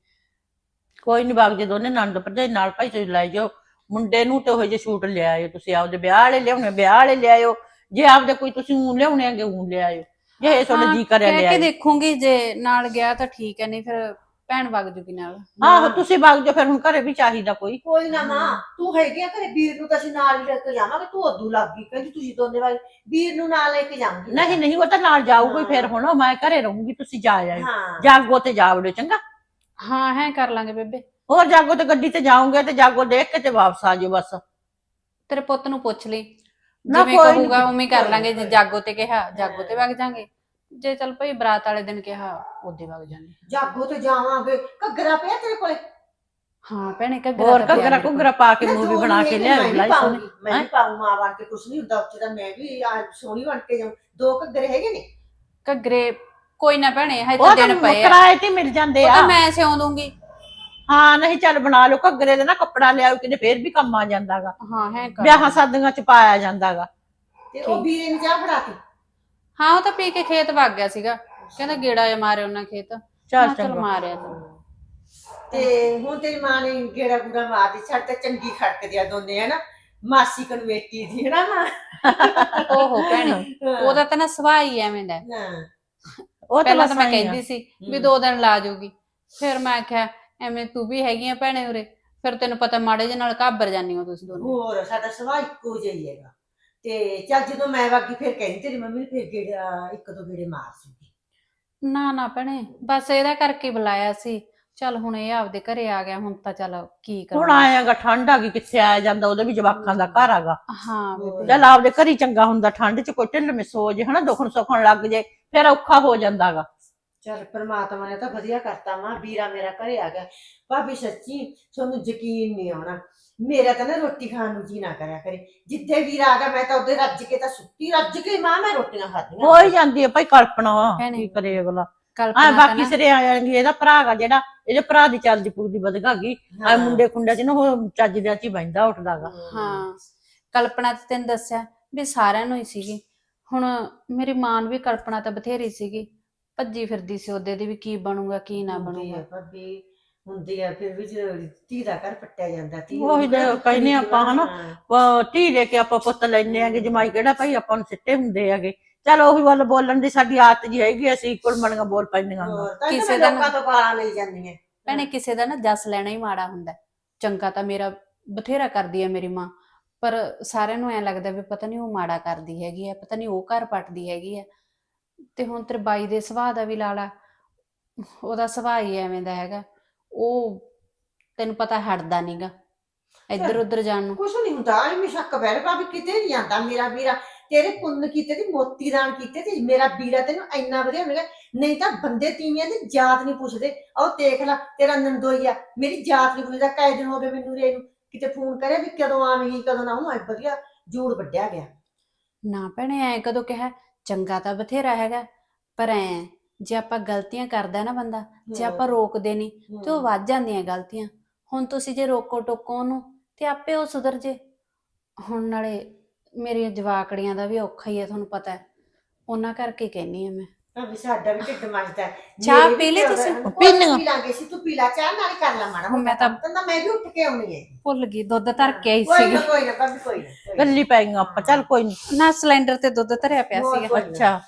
S4: ਕੋਈ ਨੀ, ਬਾਗ ਜੇ ਦੋਨੇ ਨੰਦ ਭਰਜਾਈ ਨਾਲ ਭਾਈ ਤੁਸੀਂ ਲੈ ਜਾਓ ਮੁੰਡੇ ਨੂੰ, ਤੇ ਉਹ ਜਿਹੇ ਸੂਟ ਲਿਆਇਓ। ਤੁਸੀਂ ਆਪਦੇ ਵਿਆਹ ਵਾਲੇ ਲਿਆਉਣੇ ਵਿਆਹ ਵਾਲੇ ਲਿਆਇਓ, ਜੇ ਆਪਦੇ ਕੋਈ ਤੁਸੀਂ ਊਂ ਲਿਆਉਣੇ ਆਗੇ ਊਂ ਲਿਆਇਓ, ਜੇ ਤੁਹਾਡਾ ਜੀ ਕਰਿਆ
S2: ਕਹਿ ਕੇ
S4: ਲਿਆਇਓ।
S2: ਦੇਖੂੰਗੀ, ਜੇ ਨਾਲ ਗਿਆ ਤਾਂ ਠੀਕ ਹੈ, ਨਹੀਂ ਫਿਰ ਭੈਣ ਵਗ ਜੂਗੀ ਨਾਲ।
S4: ਆਹੋ, ਤੁਸੀਂ ਬਾਗ ਜਾਓ, ਫਿਰ ਹੁਣ ਘਰੇ ਵੀ ਚਾਹੀਦਾ ਕੋਈ।
S1: ਕੋਈ ਨਾ ਮਾਂ, ਤੂੰ ਹੈਗੀ ਆ ਘਰੇ, ਵੀਰ ਨੂੰ ਤਾਂ ਅਸੀਂ ਨਾਲ ਹੀ ਲੈ ਕੇ ਜਾਵਾਂਗੇ। ਤੂੰ ਉਦੋਂ ਲੱਗ ਗਈ ਕਹਿੰਦੀ ਤੁਸੀਂ ਦੋਨੇ ਵਾਲੇ ਵੀਰ ਨੂੰ ਨਾਲ ਲੈ ਕੇ ਜਾਵਾਂਗੇ।
S4: ਨਹੀਂ ਨਹੀਂ, ਉਹ ਤਾਂ ਨਾਲ ਜਾਊਗਾ ਹੀ। ਫਿਰ ਹੁਣ ਮੈਂ ਘਰੇ ਰਹੂੰਗੀ, ਤੁਸੀਂ ਜਾ ਆਇਓ।
S1: ਹਾਂ।
S4: ਜਾਗੋ ਤੇ ਜਾ ਵੜਿਓ, ਚੰਗਾ?
S2: ਹਾਂ ਹੈ, ਕਰ ਲਾਂਗੇ ਬੇਬੇ।
S4: ਹੋਰ ਜਾਗੋ ਤੇ ਗੱਡੀ ਤੇ ਜਾਓਗੇ ਤੇ ਜਾਗੋ ਦੇਖ ਕੇ ਤੇ ਵਾਪਸ ਆ ਜਾਓ ਬਸ।
S2: ਤੇਰੇ ਪੁੱਤ ਨੂੰ ਪੁੱਛ ਲਈ,
S4: ਨਾ
S2: ਜਿਵੇਂ
S4: ਕੋਈ ਨੀ,
S2: ਕਹੂਗਾ ਉਵੇਂ ਹੀ ਕਰ
S1: ਕੋਈ
S2: ਲਾਂਗੇ।
S1: ਨੀ,
S2: ਜੇ ਜਾਗੋ ਤੇ ਕਿਹਾ ਜਾਗੋ ਤੇ ਵਗ ਜਾਾਂਗੇ, ਜੇ ਚੱਲ ਭਾਈ ਬਰਾਤ ਵਾਲੇ ਦਿਨ ਕਿਹਾ ਉਹਦੇ ਵਗ ਜਾਾਂਗੇ।
S1: ਜਾਗੋ ਤੇ ਜਾਵਾਂਗੇ। ਘੱਗਰਾ ਪਿਆ ਤੇਰੇ ਕੋਲੇ?
S2: ਹਾਂ ਭੈਣੇ,
S4: ਹੋਰ
S2: ਘੱਗਰਾ ਤਾਂ ਪਿਆ
S4: ਘੱਗਰਾ
S2: ਮੇਰੇ ਕੋਲ।
S4: ਘੁੱਗਰਾ ਪਾ ਕੇ
S1: ਨਾ
S4: ਮੂਵੀ
S1: ਜੋ
S4: ਬਣਾ
S1: ਨੀ
S4: ਕੇ
S1: ਹੈਗੀ,
S4: ਲਿਆਓ
S1: ਮੈਂ ਵੀ
S4: ਬਲਾਈ
S1: ਪਾਊਂਗੀ,
S4: ਸੋਹਣੀ।
S1: ਮੈਂ ਵੀ ਪਾਊਂ ਮਾਂ ਬਣ ਕੇ। ਕੁਛ ਨਹੀਂ ਹੁੰਦਾ ਉੱਥੇ ਦਾ, ਮੈਂ ਵੀ ਸੋਹਣੀ ਬਣ ਕੇ ਜਾਊਂ। 2 ਘੱਗਰੇ ਹੈਗੇ ਨੇ।
S2: ਘੱਗਰੇ ਕੋਈ ਨਾ ਭੈਣੇ, ਹਜੇ
S4: ਉਹ
S2: ਤਾਂ
S4: ਤਾਂ
S2: ਦਿਨ ਪਏ ਆ।
S4: ਕਿਰਾਏ ਤੇ ਮਿਲ ਜਾਂਦੇ
S2: ਉਹ
S4: ਆ।
S2: ਤਾਂ ਮੈਂ ਸਿਉਂ ਦੂੰਗੀ।
S4: ਹਾਂ, ਨਹੀਂ ਚੱਲ ਬਣਾ ਲਓ ਘੱਗਰੇ ਦੇ ਨਾ ਕੱਪੜਾ ਲਿਆਓ, ਕਿਤੇ ਫੇਰ ਵੀ ਕੰਮ ਆ ਜਾਂਦਾਗਾ।
S2: ਹਾਂ ਹੈ, ਕਰ
S4: ਵਿਆਹਾਂ ਸ਼ਾਦੀਆਂ ਚ ਪਾਇਆ ਜਾਂਦਾਗਾ।
S1: ਤੇ ਉਹ ਵੀਰੇ ਨੂੰ ਚਾਹ ਫੜਾਤੀ?
S2: ਹਾਂ, ਉਹ ਤਾਂ ਪੀ ਕੇ ਖੇਤ ਵਗ ਗਿਆ ਸੀਗਾ, ਕਹਿੰਦਾ ਗੇੜਾ ਜਿਹਾ ਮਾਰੇ ਉਹਨਾਂ ਖੇਤ।
S4: ਚੱਲ
S2: ਮੈਂ ਕਿਹਾ ਚੱਲ
S4: ਚੰਗਾ।
S2: ਮਾਰਿਆ ਤੂੰ।
S1: ਤੇ ਹੁਣ ਤੇਰੀ ਮਾਂ ਨੇ ਗੇੜਾ ਗੂੜਾ ਮਾਰਦੀ, ਛੱਡ ਤੇ ਚੰਗੀ ਖੜਕਦੀ ਆ ਦੋਨੇ ਹਨਾ, ਮਾਸੀ ਕਨਵੇਟੀ ਦੀ ਹਨਾ ਮਾਂ।
S2: ਓਹੋ ਭੈਣੇ, ਉਹਦਾ ਤਾਂ ਨਾ ਸੁਭਾਅ ਹੀ ਐਵੇਂ ਦਾ ਹੈ।
S1: ਹਾਂ
S4: ਉਹ ਤਾਂ
S2: ਪਹਿਲਾਂ
S4: ਬਸ
S2: ਤਾਂ ਮੈਂ
S4: ਆਏਂ ਆ।
S2: ਕਹਿੰਦੀ ਸੀ ਵੀ 2 ਦਿਨ ਲਾ ਜਾਊਗੀ, ਫਿਰ ਮੈਂ ਆਖਿਆ ਐਵੇਂ ਤੂੰ ਵੀ ਹੈਗੀ ਆ ਭੈਣੇ ਉਰੇ, ਫਿਰ ਤੈਨੂੰ ਪਤਾ ਮਾੜੇ ਜਿਹੇ ਨਾਲ ਘਾਬਰ ਜਾਂਦੀ ਹੋ ਤੁਸੀਂ ਦੋਨੇ।
S1: ਹੋਰ ਸਾਡਾ ਸੁਭਾਅ ਇੱਕੋ ਜਿਹਾ ਹੀ ਹੈਗਾ। ਤੇ ਚੱਲ ਜਦੋਂ ਮੈਂ ਵਾਗੀ ਫਿਰ ਕਹਿੰਦੀ ਤੇਰੀ ਮੰਮੀ ਫਿਰ ਗੇੜਾ 1-2 ਗੇੜੇ ਮਾਰ ਸੂਗੀ।
S2: ਨਾ ਭੈਣੇ, ਬਸ ਇਹਦਾ ਕਰਕੇ ਬੁਲਾਇਆ ਸੀ। ਚੱਲ ਹੁਣ ਇਹ ਆਪਦੇ ਘਰੇ ਆ ਗਿਆ, ਹੁਣ ਤਾਂ ਚੱਲ ਕੀ
S4: ਹੁਣ
S2: ਕਰਾਂ।
S4: ਆਏਗਾ ਠੰਡ ਆ ਗਈ, ਕਿੱਥੇ ਆਇਆ ਜਾਂਦਾ, ਉਹਦੇ ਵੀ ਜਵਾਕਾਂ ਦਾ ਘਰ ਹੈਗਾ।
S2: ਹਾਂ ਬੇਬੇ,
S4: ਚੱਲ ਆਪਦੇ ਘਰ ਹੀ ਚੰਗਾ ਹੁੰਦਾ, ਠੰਡ ਚ ਕੋਈ ਢਿੱਲ ਮਿਸ ਹੋ ਜੇ ਹਨਾ, ਦੁਖਣ ਸੁਖਣ ਲੱਗ ਜੇ ਫਿਰ ਔਖਾ ਹੋ ਜਾਂਦਾਗਾ।
S1: ਚੱਲ ਪਰਮਾਤਮਾ ਨੇ ਤਾਂ ਵਧੀਆ ਕਰਤਾ ਮਾਂ, ਵੀਰਾ ਮੇਰਾ ਘਰੇ ਆ ਗਿਆ। ਭਾਬੀ ਸੱਚੀ ਤੁਹਾਨੂੰ ਯਕੀਨ ਨਹੀਂ ਆਉਣਾ, ਮੇਰਾ ਤਾਂ ਨਾ ਰੋਟੀ ਖਾਣ ਨੂੰ ਜੀ ਨਾ ਕਰਿਆ ਕਰੇ। ਜਿੱਥੇ ਵੀਰਾ ਆ ਗਿਆ ਮੈਂ ਤਾਂ ਉਹਦੇ ਰੱਜ ਕੇ ਤਾਂ ਸੁੱਤੀ, ਰੱਜ ਕੇ ਮਾਂ ਮੈਂ ਰੋਟੀਆਂ ਖਾਧੀਆਂ।
S4: ਹੋ ਹੀ ਜਾਂਦੀ ਹੈ ਭਾਈ ਕਲਪਨਾ,
S2: ਭੈਣੇ,
S4: ਕੀ ਕਰੇ ਅਗਲਾ।
S2: ਕਲਪਨਾ
S4: ਆ
S2: ਤਾਂ
S4: ਬਾਕੀ
S2: ਨਾ-
S4: ਸਿਰੇ ਆ ਜਾਣਗੇ, ਇਹਦਾ ਭਰਾ ਗਾ ਜਿਹੜਾ, ਇਹਦੇ ਭਰਾ ਦੀ ਚੱਲਦੀ ਪੁੱਗਦੀ ਵਧਗਾ ਗਈ। ਆ ਮੁੰਡੇ ਖੁੰਡਿਆਂ ਚ ਨਾ ਉਹ ਚੱਜ ਦੇ ਚ ਹੀ ਬਹਿੰਦਾ ਉੱਠਦਾਗਾ।
S2: ਹਾਂ, ਕਲਪਨਾ ਤੇ ਤੈਨੂੰ ਦੱਸਿਆ ਵੀ ਸਾਰਿਆਂ ਨੂੰ ਹੀ ਸੀਗੀ। ਹੁਣ ਮੇਰੀ ਮਾਂ ਨੂੰ ਵੀ ਕਲਪਨਾ ਤਾਂ ਬਥੇਰੀ ਸੀਗੀ, ਭੱਜੀ ਫਿਰਦੀ ਸੀ ਉਹਦੇ ਦੀ ਵੀ ਕੀ ਬਣੂਗਾ ਕੀ ਨਾ
S1: ਹੁੰਦੀ
S2: ਬਣੂਗਾ।
S1: ਆ ਭਾਬੀ, ਹੁੰਦੀ ਆ, ਫਿਰ ਵੀ ਜਦੋਂ ਧੀ ਦਾ ਘਰ ਪੱਟਿਆ ਜਾਂਦਾ, ਧੀ
S4: ਉਹੀ
S1: ਨੂੰ ਕਿਹੜਾ
S4: ਕਹਿੰਦੇ ਆਪਾਂ ਹਨਾ,
S1: ਹਾਂ।
S4: ਧੀ ਲੈ ਕੇ ਆਪਾਂ ਪੁੱਤ ਲੈਨੇ ਆਗੇ, ਜਮਾਈ ਕਿਹੜਾ ਭਾਈ ਆਪਾਂ ਨੂੰ ਸਿੱਟੇ ਹੁੰਦੇ ਹੈਗੇ। ਚਲ ਉਹੀ ਵੱਲ ਬੋਲਣ ਦੀ ਸਾਡੀ ਆਦਤ ਜੀ ਹੈਗੀ, ਅਸੀਂ ਕੁਲਮਣੀਆਂ ਬੋਲ ਪੈਂਦੀਆਂ।
S1: ਹੋਰ ਤਾਂ
S2: ਕਿਸੇ
S1: ਕਿਸੇ
S2: ਦਾ
S1: ਲੋਕਾਂ ਤੋਂ ਗਾਲਾਂ ਲਈ ਜਾਂਦੀਆਂ।
S2: ਭੈਣੇ ਕਿਸੇ ਦਾ ਨਾ ਜਸ ਲੈਣਾ ਹੀ ਮਾੜਾ ਹੁੰਦਾ। ਚੰਗਾ ਤਾਂ ਮੇਰਾ ਬਥੇਰਾ ਕਰਦੀ ਹੈ ਮੇਰੀ ਮਾਂ, ਪਰ ਸਾਰਿਆਂ ਨੂੰ ਐ ਲੱਗਦਾ ਵੀ ਪਤਾ ਨਹੀਂ ਉਹ ਮਾੜਾ ਕਰਦੀ ਹੈਗੀ ਆ, ਪਤਾ ਨਹੀਂ ਉਹ ਘਰ ਪੱਟਦੀ ਹੈਗੀ ਆ। ਤੇ ਹੁਣ ਤੇਰੇ ਬਾਈ ਦੇ ਸੁਭਾਅ ਦਾ ਵੀ ਲਾਲਾ, ਉਹਦਾ ਸੁਭਾਅ ਹੀ ਐਵੇਂ ਦਾ ਹੈਗਾ। ਉਹ ਤੈਨੂੰ ਪਤਾ ਹਟਦਾ ਨਹੀਂਗਾ ਇੱਧਰ ਉੱਧਰ ਜਾਣ ਨੂੰ।
S1: ਕੁਛ ਨਹੀਂ ਹੁੰਦਾ, ਐਵੇਂ ਸ਼ੱਕ ਪੈ ਰਿਹਾ ਭਾਬੀ, ਕਿਤੇ ਨਹੀਂ ਜਾਂਦਾ ਮੇਰਾ ਵੀਰਾ। ਤੇਰੇ ਪੁੰਨ ਕੀਤੇ ਤੇ ਮੋਤੀ ਦਾਨ ਕੀਤੇ ਤੇ ਮੇਰਾ ਵੀਰਾ ਤੈਨੂੰ ਇੰਨਾ ਵਧੀਆ ਮਿਲਿਆ। ਨਹੀਂ ਤਾਂ ਬੰਦੇ ਤੀਵੀਆਂ ਦੀ ਜਾਤ ਨਹੀਂ ਪੁੱਛਦੇ। ਉਹ ਦੇਖ ਲੈ ਤੇਰਾ ਨੰਦੋਈ ਆ, ਮੇਰੀ ਜਾਤ ਨਹੀਂ ਪੁੱਛਦਾ। ਕਈ ਦਿਨ ਹੋ ਗਏ ਮੈਨੂੰ ਰੇ ਨੂੰ, ਕਿਤੇ ਫੋਨ ਕਰਿਆ ਵੀ ਕਦੋਂ ਆਵੇਂਗੀ ਕਦੋਂ ਨਾ ਆਊਂ। ਵਧੀਆ ਜੂੜ ਵੱਢਿਆ ਗਿਆ।
S2: ਨਾ ਭੈਣੇ ਐ ਕਦੋਂ ਕਿਹਾ, ਚੰਗਾ ਤਾਂ ਬਥੇਰਾ ਹੈਗਾ, ਪਰ ਐ ਜੇ ਆਪਾਂ ਗਲਤੀਆਂ ਕਰਦਾ ਨਾ ਬੰਦਾ, ਜੇ ਆਪਾਂ ਰੋਕਦੇ ਨਹੀਂ ਤੇ ਉਹ ਵੱਧ ਜਾਂਦੀਆਂ ਗਲਤੀਆਂ। ਹੁਣ ਤੁਸੀਂ ਜੇ ਰੋਕੋ ਟੋਕੋ ਉਹਨੂੰ ਤੇ ਆਪੇ ਉਹ ਸੁਧਰ ਜੇ। ਹੁਣ ਨਾਲੇ ਮੇਰੀਆਂ ਜਵਾਕੜੀਆਂ ਦਾ ਵੀ ਔਖਾ ਹੀ ਹੈ, ਤੁਹਾਨੂੰ ਪਤਾ ਹੈ, ਉਹਨਾਂ ਕਰਕੇ ਕਹਿੰਨੀ ਆ ਮੈਂ।
S1: ਭਾਬੀ ਸਾਡਾ ਵੀ ਢਿੱਡ ਮੱਚਦਾ ਹੈ।
S2: ਚਾਹ
S1: ਮੇਰੇ ਵੀ
S2: ਪੀ ਲਈ
S1: ਘਰ ਦਾ-
S2: ਤੁਸੀਂ?
S1: ਕੋਈ
S4: ਪੀ ਲਈ।
S1: ਪੀ ਲਾਂਗੇ ਸੀ, ਤੂੰ ਪੀ ਲਾ ਚਾਹ, ਨਾਲ ਕਰ ਲਾ ਮਾੜਾ
S2: ਹੁਣ ਮੈਂ
S1: ਮੋਟਾ
S2: ਤਾਂ-
S1: ਕੰਮ ਤਾਂ ਮੈਂ ਵੀ ਉੱਠ ਕੇ ਆਉਣੀ ਹੈ।
S2: ਭੁੱਲ ਗਈ, ਦੁੱਧ ਧਰ ਕੇ ਆਈ
S1: ਕੋਈ
S2: ਸੀਗੀ।
S1: ਨਾ ਕੋਈ ਨਾ ਭਾਬੀ, ਕੋਈ ਨਾ, ਕੋਈ ਨਾ।
S4: ਗੱਲੀ ਪੈ ਗਈਆਂ ਆਪਾਂ, ਚੱਲ ਕੋਈ ਨੀ।
S2: ਨਾ ਸਿਲੰਡਰ ਤੇ ਦੁੱਧ ਧਰਿਆ ਪਿਆ
S1: ਹੋਰ
S2: ਸੀਗਾ।
S1: ਕੋਈ ਨਾ।
S4: ਅੱਛਾ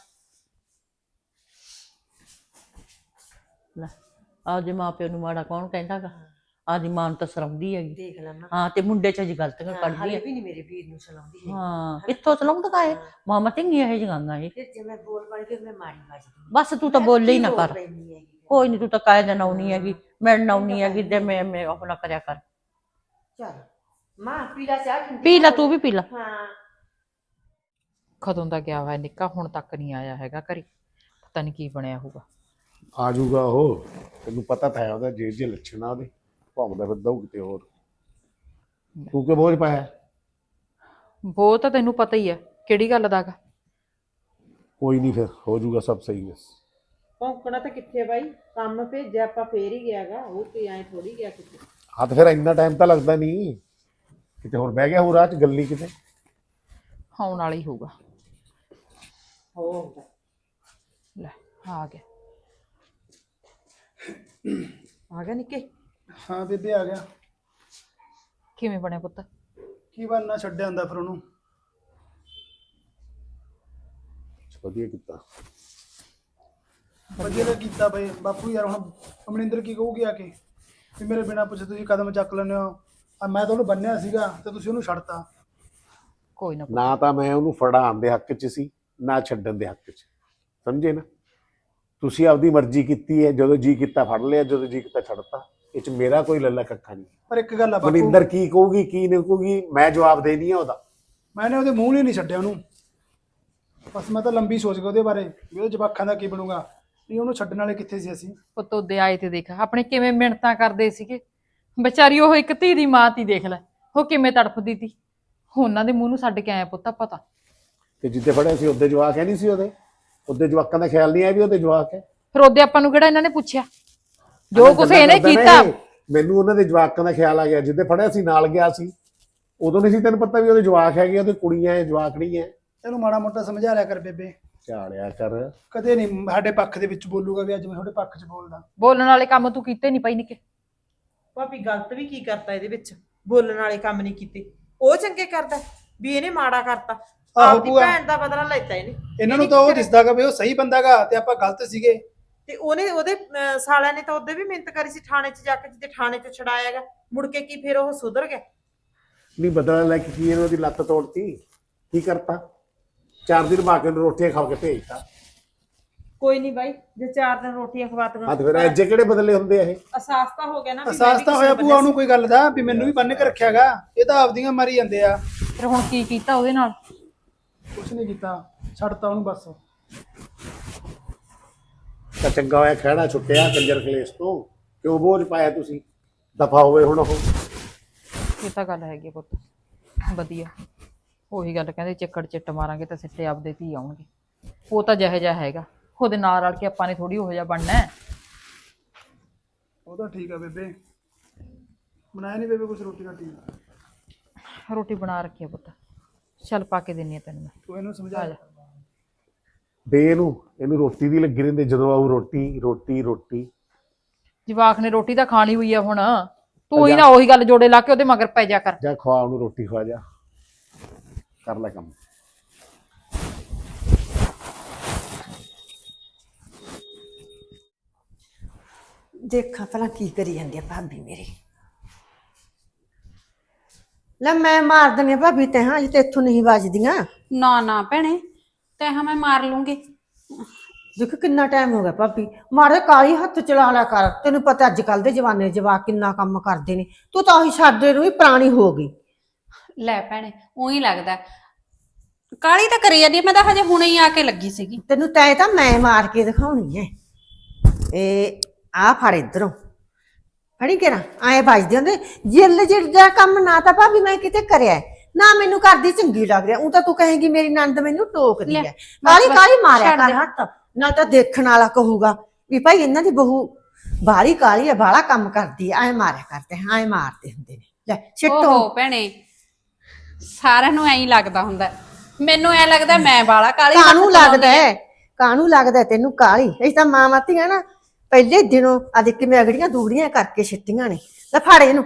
S4: ਲੈ, ਆਪਦੇ ਮਾਂ ਪਿਓ ਨੂੰ ਮਾੜਾ ਕੌਣ ਕਹਿੰਦਾਗਾ, ਆਪਦੀ ਮਾਂ ਨੂੰ ਤਾਂ ਸਰਾਉਂਦੀ ਹੈਗੀ।
S1: ਦੇਖ ਲੈ ਮਾਂ,
S4: ਹਾਂ ਤੇ ਮੁੰਡੇ ਚ ਜੀ ਗਲਤੀਆਂ ਕੱਢਦੀ
S1: ਹਾਲੇ
S4: ਹੈ।
S1: ਵੀ ਨਹੀਂ ਮੇਰੇ ਵੀਰ ਨੂੰ ਸੁਣਾਉਂਦੀ ਹੈ।
S4: ਹਾਂ ਕਿੱਥੋਂ ਸਲਾਉਂਦਾ ਇਹ ਮਾਮਾ ਧੀਆਂ ਇਹ ਜਗਾਂਗਾ ਇਹ।
S1: ਫਿਰ ਜੇ ਮੈਂ ਬੋਲ ਪੜ ਕੇ ਮੈਂ ਮਾਰੀ ਵੱਜਦੀ।
S4: ਬਸ ਤੂੰ ਤਾਂ ਬੋਲੇ ਹੀ ਨਾ ਕਰ, ਕੋਈ ਨੀ, ਤੂੰ ਤਾਂ ਕਾਇ ਦਿਨ ਆਉਣੀ ਹੈਗੀ, ਮਿਲਣ ਆਉਣੀ ਹੈਗੀ ਤੇ ਮੈਂ ਆਪਣਾ ਕਰਿਆ ਕਰ।
S1: ਚੱਲ ਮਾਂ ਪੀਲਾ ਚਾਹ ਠੰਡੀ
S4: ਪੀ ਲੈ, ਤੂੰ ਵੀ ਪੀ ਲੈ।
S1: ਹਾਂ
S5: ਕਦੋਂ ਦਾ ਗਿਆ ਹੋਇਆ ਨਿੱਕਾ, ਹੁਣ ਤੱਕ ਨਹੀਂ ਆਇਆ ਹੈਗਾ ਘਰੇ, ਪਤਾ ਨਹੀਂ ਕੀ ਬਣਿਆ ਹੋਊਗਾ।
S6: ਆ ਜਾਊਗਾ ਉਹ, ਤੈਨੂੰ ਪਤਾ ਤਾਂ ਹੈ ਉਹਦਾ ਜੇ ਲੱਛਣ ਆ ਉਹਦੇ, ਭੌਂਕਦਾ ਫਿਰਦਾ ਉਹ ਕਿਤੇ ਹੋਰ। ਤੂੰ ਕਿ ਬੋਝ ਪਾਇਆ?
S5: ਉਹ ਤਾਂ ਤੈਨੂੰ ਪਤਾ ਹੀ ਹੈ ਕਿਹੜੀ ਗੱਲ ਦਾਗਾ।
S6: ਕੋਈ ਨਹੀਂ, ਫਿਰ ਹੋ ਜਾਊਗਾ ਸਭ ਸਹੀ। ਬਸ
S7: ਭੌਂਕਣਾ ਤਾਂ ਕਿੱਥੇ ਬਾਈ, ਕੰਮ ਭੇਜਿਆ ਆਪਾਂ ਫੇਰ ਹੀ ਗਿਆਗਾ, ਉਹ ਤੇ ਐ ਥੋੜੀ ਗਿਆ ਕਿਤੇ।
S6: ਹਾਂ ਤੇ ਫਿਰ ਇੰਨਾ ਟਾਈਮ ਤਾਂ ਲੱਗਦਾ ਨਹੀਂ, ਕਿਤੇ ਹੋਰ ਬਹਿ ਗਿਆ ਹੋ ਰਾਹ ਚ ਗੱਲੀ ਕਿਤੇ।
S5: ਆਉਣ ਵਾਲਾ ਹੀ ਹੋਊਗਾ।
S7: ਹੋ
S5: ਲੈ ਆ ਗਿਆ, ਆ ਗਿਆ ਨਿੱਕੇ।
S8: ਹਾਂ ਬੇਬੇ ਆ ਗਿਆ।
S5: ਕਿਵੇਂ ਬਣਿਆ ਪੁੱਤ?
S8: ਕੀ ਬਣਨਾ, ਛੱਡਿਆ ਹੁੰਦਾ ਫਿਰ ਉਹਨੂੰ।
S6: ਵਧੀਆ ਕੀਤਾ।
S8: ਵਧੀਆ ਤਾਂ ਕੀਤਾ ਬਈ ਬਾਪੂ ਯਾਰ। ਹੁਣ ਅਮਰਿੰਦਰ ਕੀ ਕਹੂਗੀ ਆ ਕੇ ਵੀ ਮੇਰੇ ਬਿਨਾਂ ਪੁੱਛੇ ਤੁਸੀਂ ਕਦਮ ਚੱਕ ਲੈਂਦੇ ਹੋ। ਮੈਂ ਤਾਂ ਉਹਨੂੰ ਬੰਨਿਆ ਸੀਗਾ ਤੇ ਤੁਸੀਂ ਉਹਨੂੰ ਛੱਡਤਾ।
S5: ਕੋਈ ਨਾ ਪੁੱਤ,
S6: ਨਾ ਤਾਂ ਮੈਂ ਉਹਨੂੰ ਫੜਾਉਣ ਦੇ ਹੱਕ 'ਚ ਸੀ, ਨਾ ਛੱਡਣ ਦੇ ਹੱਕ 'ਚ, ਸਮਝੇ ਨਾ। ਤੁਸੀਂ ਆਪਦੀ ਮਰਜ਼ੀ ਕੀਤੀ ਹੈ, ਜਦੋਂ ਜੀ ਕੀਤਾ ਫੜ ਲਿਆ, ਜਦੋਂ ਜੀ ਕੀਤਾ ਛੱਡਤਾ। ਇਹ 'ਚ ਮੇਰਾ ਕੋਈ ਲੱਲਾ ਕੱਖਾ ਨਹੀਂ।
S8: ਪਰ ਇੱਕ ਗੱਲ ਆ ਬਾਪੂ,
S6: ਮਨਿੰਦਰ ਕੀ ਕਹੂਗੀ ਕੀ ਨਹੀਂ ਕਹੂਗੀ, ਮੈਂ ਜਵਾਬ ਦੇ ਨਹੀਂ ਆ ਉਹਦਾ।
S8: ਮੈਨੇ ਉਹਦੇ ਮੂੰਹ ਲਈ ਨਹੀਂ ਛੱਡਿਆ ਉਹਨੂੰ। ਬਸ ਮੈਂ ਤਾਂ ਲੰਬੀ ਸੋਚ ਗਿਆ ਉਹਦੇ ਬਾਰੇ ਵੀ ਉਹਦੇ ਜਵਾਕਾਂ ਦਾ ਕੀ ਬਣੂਗਾ। ਨਹੀਂ ਉਹਨੂੰ ਛੱਡਣ ਵਾਲੇ ਕਿੱਥੇ ਸੀ ਅਸੀਂ।
S5: ਪੁੱਤ ਉਹਦੇ ਆਏ ਤੇ ਦੇਖ ਆਪਣੇ ਕਿਵੇਂ ਮਿਹਨਤਾਂ ਕਰਦੇ ਸੀਗੇ। ਵਿਚਾਰੀ ਉਹ ਇੱਕ ਧੀ ਦੀ ਮਾਂ ਤੀ, ਦੇਖ ਲੈ ਉਹ ਕਿਵੇਂ ਤੜਫਦੀ ਤੀ। ਉਹਨਾਂ ਦੇ ਮੂੰਹ ਨੂੰ ਛੱਡ ਕੇ ਆਇਆ ਪੁੱਤ ਆਪਾਂ ਤਾਂ।
S6: ਤੇ ਜਿੱਦੇ ਫੜਿਆ ਸੀ ਉਹਦੇ ਜਵਾਕ ਹੈ ਨਹੀਂ ਸੀ ਉਹਦੇ ਜਵਾਕਾਂ ਦਾ ਖਿਆਲ ਨਹੀਂ ਆਇਆ ਵੀ ਉਹਦੇ ਜਵਾਕ ਹੈ।
S5: ਫਿਰ ਉਹਦੇ ਆਪਾਂ ਨੂੰ ਕਿਹੜਾ ਇਹਨਾਂ ਨੇ ਪੁੱਛਿਆ, ਜੋ ਕੁਛ ਇਹਨੇ
S6: ਕਰਦਾ ਨਾ
S5: ਕੀਤਾ।
S6: ਇਹ, ਮੈਨੂੰ ਉਹਨਾਂ ਦੇ ਜਵਾਕਾਂ ਦਾ ਖਿਆਲ ਆ ਗਿਆ। ਜਿੱਦੇ ਫੜਿਆ ਸੀ ਨਾਲ ਗਿਆ ਸੀ, ਉਦੋਂ ਨਹੀਂ ਸੀ ਤੈਨੂੰ ਪਤਾ ਵੀ ਉਹਦੇ ਜਵਾਕ ਹੈਗੇ, ਉਹਦੇ ਕੁੜੀਆਂ ਹੈ, ਜਵਾਕੜੀ ਹੈ।
S8: ਇਹਨੂੰ ਮਾੜਾ ਮੋਟਾ ਸਮਝਾ ਲਿਆ ਕਰ ਬੇਬੇ।
S6: ਝਾੜਿਆ ਕਰ।
S8: ਕਦੇ ਨਹੀਂ ਸਾਡੇ ਪੱਖ ਦੇ ਵਿੱਚ ਬੋਲੂਗਾ ਵੀ ਅੱਜ ਮੈਂ ਤੁਹਾਡੇ ਪੱਖ 'ਚ ਬੋਲਦਾ।
S5: ਬੋਲਣ ਵਾਲੇ ਕੰਮ ਤੂੰ ਕੀਤੇ ਨਹੀਂ ਪਈ ਨਿੱਕੇ।
S7: ਭਾਬੀ ਗਲਤ ਵੀ ਕੀ ਕਰਤਾ ਇਹਦੇ ਵਿੱਚ, ਬੋਲਣ ਵਾਲੇ ਕੰਮ ਨਹੀਂ ਕੀਤੇ। ਉਹ ਚੰਗੇ ਕਰਦਾ ਵੀ ਇਹਨੇ ਮਾੜਾ ਕਰਤਾ,
S8: ਆਹੋ
S7: ਆਪਦੀ
S8: ਭੂਆ।
S7: ਭੈਣ ਦਾ ਬਦਲਾ ਲੈਤਾ ਇਹਨੇ।
S8: ਇਹਨਾਂ ਨੂੰ ਤਾਂ ਉਹ ਦਿਸਦਾਗਾ ਵੀ ਉਹ ਸਹੀ ਬੰਦਾਗਾ ਤੇ ਆਪਾਂ ਗਲਤ ਸੀਗੇ।
S7: ਤੇ ਉਹਦੇ ਸਾਲਿਆਂ ਨੇ ਤਾਂ ਉਹਦੇ ਵੀ ਮਿਹਨਤ ਕਰੀ ਸੀ ਥਾਣੇ 'ਚ ਜਾ ਕੇ, ਜਿੱਦੇ ਥਾਣੇ 'ਚ ਛਡਾਇਆਗਾ, ਮੁੜ ਕੇ ਕੀ ਫਿਰ ਉਹ ਸੁਧਰ ਗਿਆ।
S6: ਨਹੀਂ ਬਦਲਾ ਲੈ ਕੇ ਕੀ ਇਹਨਾਂ ਦੀ ਲੱਤ ਤੋੜਤੀ, ਕੀ ਕਰਤਾ? 4 ਦਿਨ ਮਾਂ ਕੇ ਨੂੰ ਰੋਟੀਆਂ ਖਾ ਕੇ ਭੇਜਤਾ।
S7: ਕੋਈ ਨਹੀਂ ਬਾਈ, ਜੇ 4 ਦਿਨ ਰੋਟੀਆਂ ਖਵਾਤੀਆਂ
S6: ਹਾਂ ਤੇ ਫਿਰ ਐਜੇ ਕਿਹੜੇ ਬਦਲੇ ਹੁੰਦੇ ਆ ਇਹ?
S7: ਅਹਿਸਾਸ ਤਾਂ ਹੋ ਗਿਆ ਨਾ ਵੀ ਮੈਂ
S8: ਅਹਿਸਾਸ
S7: ਵੀ
S8: ਤਾਂ
S7: ਕਿਸੇ
S8: ਹੋਇਆ
S7: ਬੰਦੇ
S8: ਭੂਆ ਉਹਨੂੰ ਕੋਈ ਗੱਲ ਦਾ ਵੀ ਮੈਨੂੰ ਵੀ ਬੰਨ ਕੇ ਰੱਖਿਆਗਾ। ਇਹ ਤਾਂ ਆਪਦੀਆਂ ਮਾਰੀ ਜਾਂਦੇ ਆ।
S5: ਫਿਰ ਹੁਣ ਕੀ ਕੀਤਾ ਉਹਦੇ ਨਾਲ?
S8: ਕੁਛ ਨਹੀਂ ਕੀਤਾ, ਛੱਡਤਾ ਉਹਨੂੰ ਬਸ।
S6: ਤਾਂ ਚੰਗਾ ਹੋਇਆ ਖਹਿੜਾ ਛੁੱਟਿਆ ਕੰਜਰ ਕਲੇਸ਼ ਤੋਂ। ਕਿਉਂ ਬੋਝ ਪਾਇਆ ਤੁਸੀਂ? ਦਫਾ ਹੋਵੇ ਹੁਣ ਉਹ।
S5: ਇਹ ਤਾਂ ਗੱਲ ਹੈਗੀ ਆ ਪੁੱਤ, ਵਧੀਆ। ਉਹੀ ਗੱਲ ਕਹਿੰਦੇ, ਚੱਕੜ ਚਿੱਟ ਮਾਰਾਂਗੇ ਤਾਂ ਸਿੱਟੇ ਆਪਦੇ ਧੀ ਆਉਣਗੇ। ਉਹ ਤਾਂ ਜਿਹੋ ਜਿਹਾ ਹੈਗਾ, ਉਹਦੇ ਨਾਲ ਰਲ ਕੇ ਆਪਾਂ ਨੇ ਥੋੜੀ ਉਹੋ ਜਿਹਾ ਬਣਨਾ ਹੈ।
S8: ਉਹ ਤਾਂ ਠੀਕ ਆ ਬੇਬੇ। ਬਣਾਇਆ ਨਹੀਂ ਬੇਬੇ ਕੁਛ ਰੋਟੀ ਰਾਟੀ?
S5: ਰੋਟੀ ਬਣਾ ਰੱਖੀ ਆ ਪੁੱਤ, ਚੱਲ ਪਾ ਕੇ ਦਿੰਨੀ ਆ ਤੈਨੂੰ ਮੈਂ।
S8: ਤੂੰ ਇਹਨੂੰ ਸਮਝਾ
S5: ਆ ਜਾ।
S6: ਦੇ ਇਹਨੂੰ ਰੋਟੀ ਦੀ ਲੱਗੀ ਰਹਿੰਦੇ, ਜਦੋਂ ਆਊ ਰੋਟੀ ਰੋਟੀ ਰੋਟੀ।
S5: ਜਵਾਕ ਨੇ ਰੋਟੀ ਤਾਂ ਖਾਣੀ ਹੋਈ ਆ ਹੁਣ, ਤੂੰ ਹੀ ਨਾ ਉਹੀ ਗੱਲ ਜੋੜੇ ਲਾ ਕੇ ਉਹਦੇ ਮਗਰ ਪੈ ਜਾ ਕਰ।
S6: ਜਾ ਖਵਾ ਉਹਨੂੰ ਰੋਟੀ, ਖਵਾ ਜਾ, ਕਰ ਲੈ ਕੰਮ।
S1: ਦੇਖਾਂ ਭਲਾ ਕੀ ਕਰੀ ਜਾਂਦੀ ਆ ਭਾਬੀ ਮੇਰੀ। ਲੈ ਮੈਂ ਮਾਰ ਦਿੰਦੀ ਆ ਭਾਬੀ ਤੇ, ਹਾਂ ਜੇ ਇੱਥੋਂ ਨਹੀਂ ਵੱਜਦੀਆਂ।
S2: ਨਾ ਨਾ ਭੈਣੇ, ਤੈਂ ਮੈਂ ਮਾਰ ਲੂੰਗੀ।
S1: ਦੇਖ ਕਿੰਨਾ ਟਾਈਮ ਹੋ ਗਿਆ ਭਾਬੀ, ਮਾਰੇ ਕਾਲੀ ਹੱਥ ਚਲਾ ਲਿਆ ਕਰ। ਤੈਨੂੰ ਪਤਾ ਅੱਜ ਕੱਲ ਦੇ ਜਵਾਨੇ ਦੇ ਜਵਾਕ ਕਿੰਨਾ ਕੰਮ ਕਰਦੇ ਨੇ। ਤੂੰ ਤਾਂ ਉਹੀ ਸਾਡੇ ਨੂੰ ਵੀ ਪੁਰਾਣੀ ਹੋ ਗਈ।
S2: ਲੈ ਭੈਣੇ, ਉਹੀ ਲੱਗਦਾ ਕਾਲੀ ਤਾਂ ਕਰੀ ਜਾਂਦੀ ਆ, ਮੈਂ ਤਾਂ ਹਜੇ ਹੁਣੇ ਹੀ ਆ ਕੇ ਲੱਗੀ ਸੀਗੀ।
S1: ਤੈਨੂੰ ਤੈ ਤਾਂ ਮੈਂ ਮਾਰ ਕੇ ਦਿਖਾਉਣੀ ਐ। ਇਹ ਆ ਫੜ ਇਧਰੋਂ ਫੜੀ ਕੇ ਨਾ, ਐਂ ਵੱਜਦੇ ਹੁੰਦੇ ਜਿੱਲ ਜਿਹੜਾ ਕੰਮ। ਨਾ ਤਾਂ ਭਾਬੀ ਮੈਂ ਕਿਤੇ ਕਰਿਆ ਨਾ, ਮੈਨੂੰ ਕਰਦੀ ਚੰਗੀ ਲੱਗ ਰਿਹਾ। ਉਹ ਤਾਂ ਤੂੰ ਕਹੇਗੀ ਮੇਰੀ ਨੰਦ ਮੈਨੂੰ ਟੋਕਦੀ ਐ। ਕਾਲੀ ਕਾਲੀ ਮਾਰਿਆ ਕਰ ਹੱਥ, ਨਾ ਤਾਂ ਦੇਖਣ ਵਾਲਾ ਕਹੂਗਾ ਵੀ ਭਾਈ ਇਹਨਾਂ ਦੀ ਬਹੂ ਬਾਹਲੀ ਕਾਲੀ ਐ, ਬਾਹਲਾ ਕੰਮ ਕਰਦੀ ਐ। ਐਂ ਮਾਰਿਆ ਕਰਦੇ, ਐਂ ਮਾਰਦੇ ਹੁੰਦੇ ਨੇ। ਲੈ ਛਿੱਟੋ।
S2: ਓਹੋ ਭੈਣੇ, ਸਾਰਿਆਂ ਨੂੰ ਐਂ ਹੀ ਲੱਗਦਾ ਹੁੰਦਾ, ਮੈਨੂੰ ਐ ਲੱਗਦਾ ਮੈਂ ਬਾਲਾ ਕਾਲੀ।
S1: ਕਾਹਨੂੰ ਲੱਗਦਾ ਹੈ, ਕਾਹਨੂੰ ਲੱਗਦਾ ਤੈਨੂੰ ਕਾਲੀ? ਇਹ ਤਾਂ ਮਾਂ ਮਾਤੀਆਂ ਨਾ ਪਹਿਲੇ ਦਿਨੋਂ ਆ ਦੇਖ ਕਿਵੇਂ ਅਗੜੀਆਂ ਦੂੜੀਆਂ ਕਰਕੇ ਛਿੱਟੀਆਂ ਨੇ। ਲੈ ਫੜ ਇਹਨੂੰ।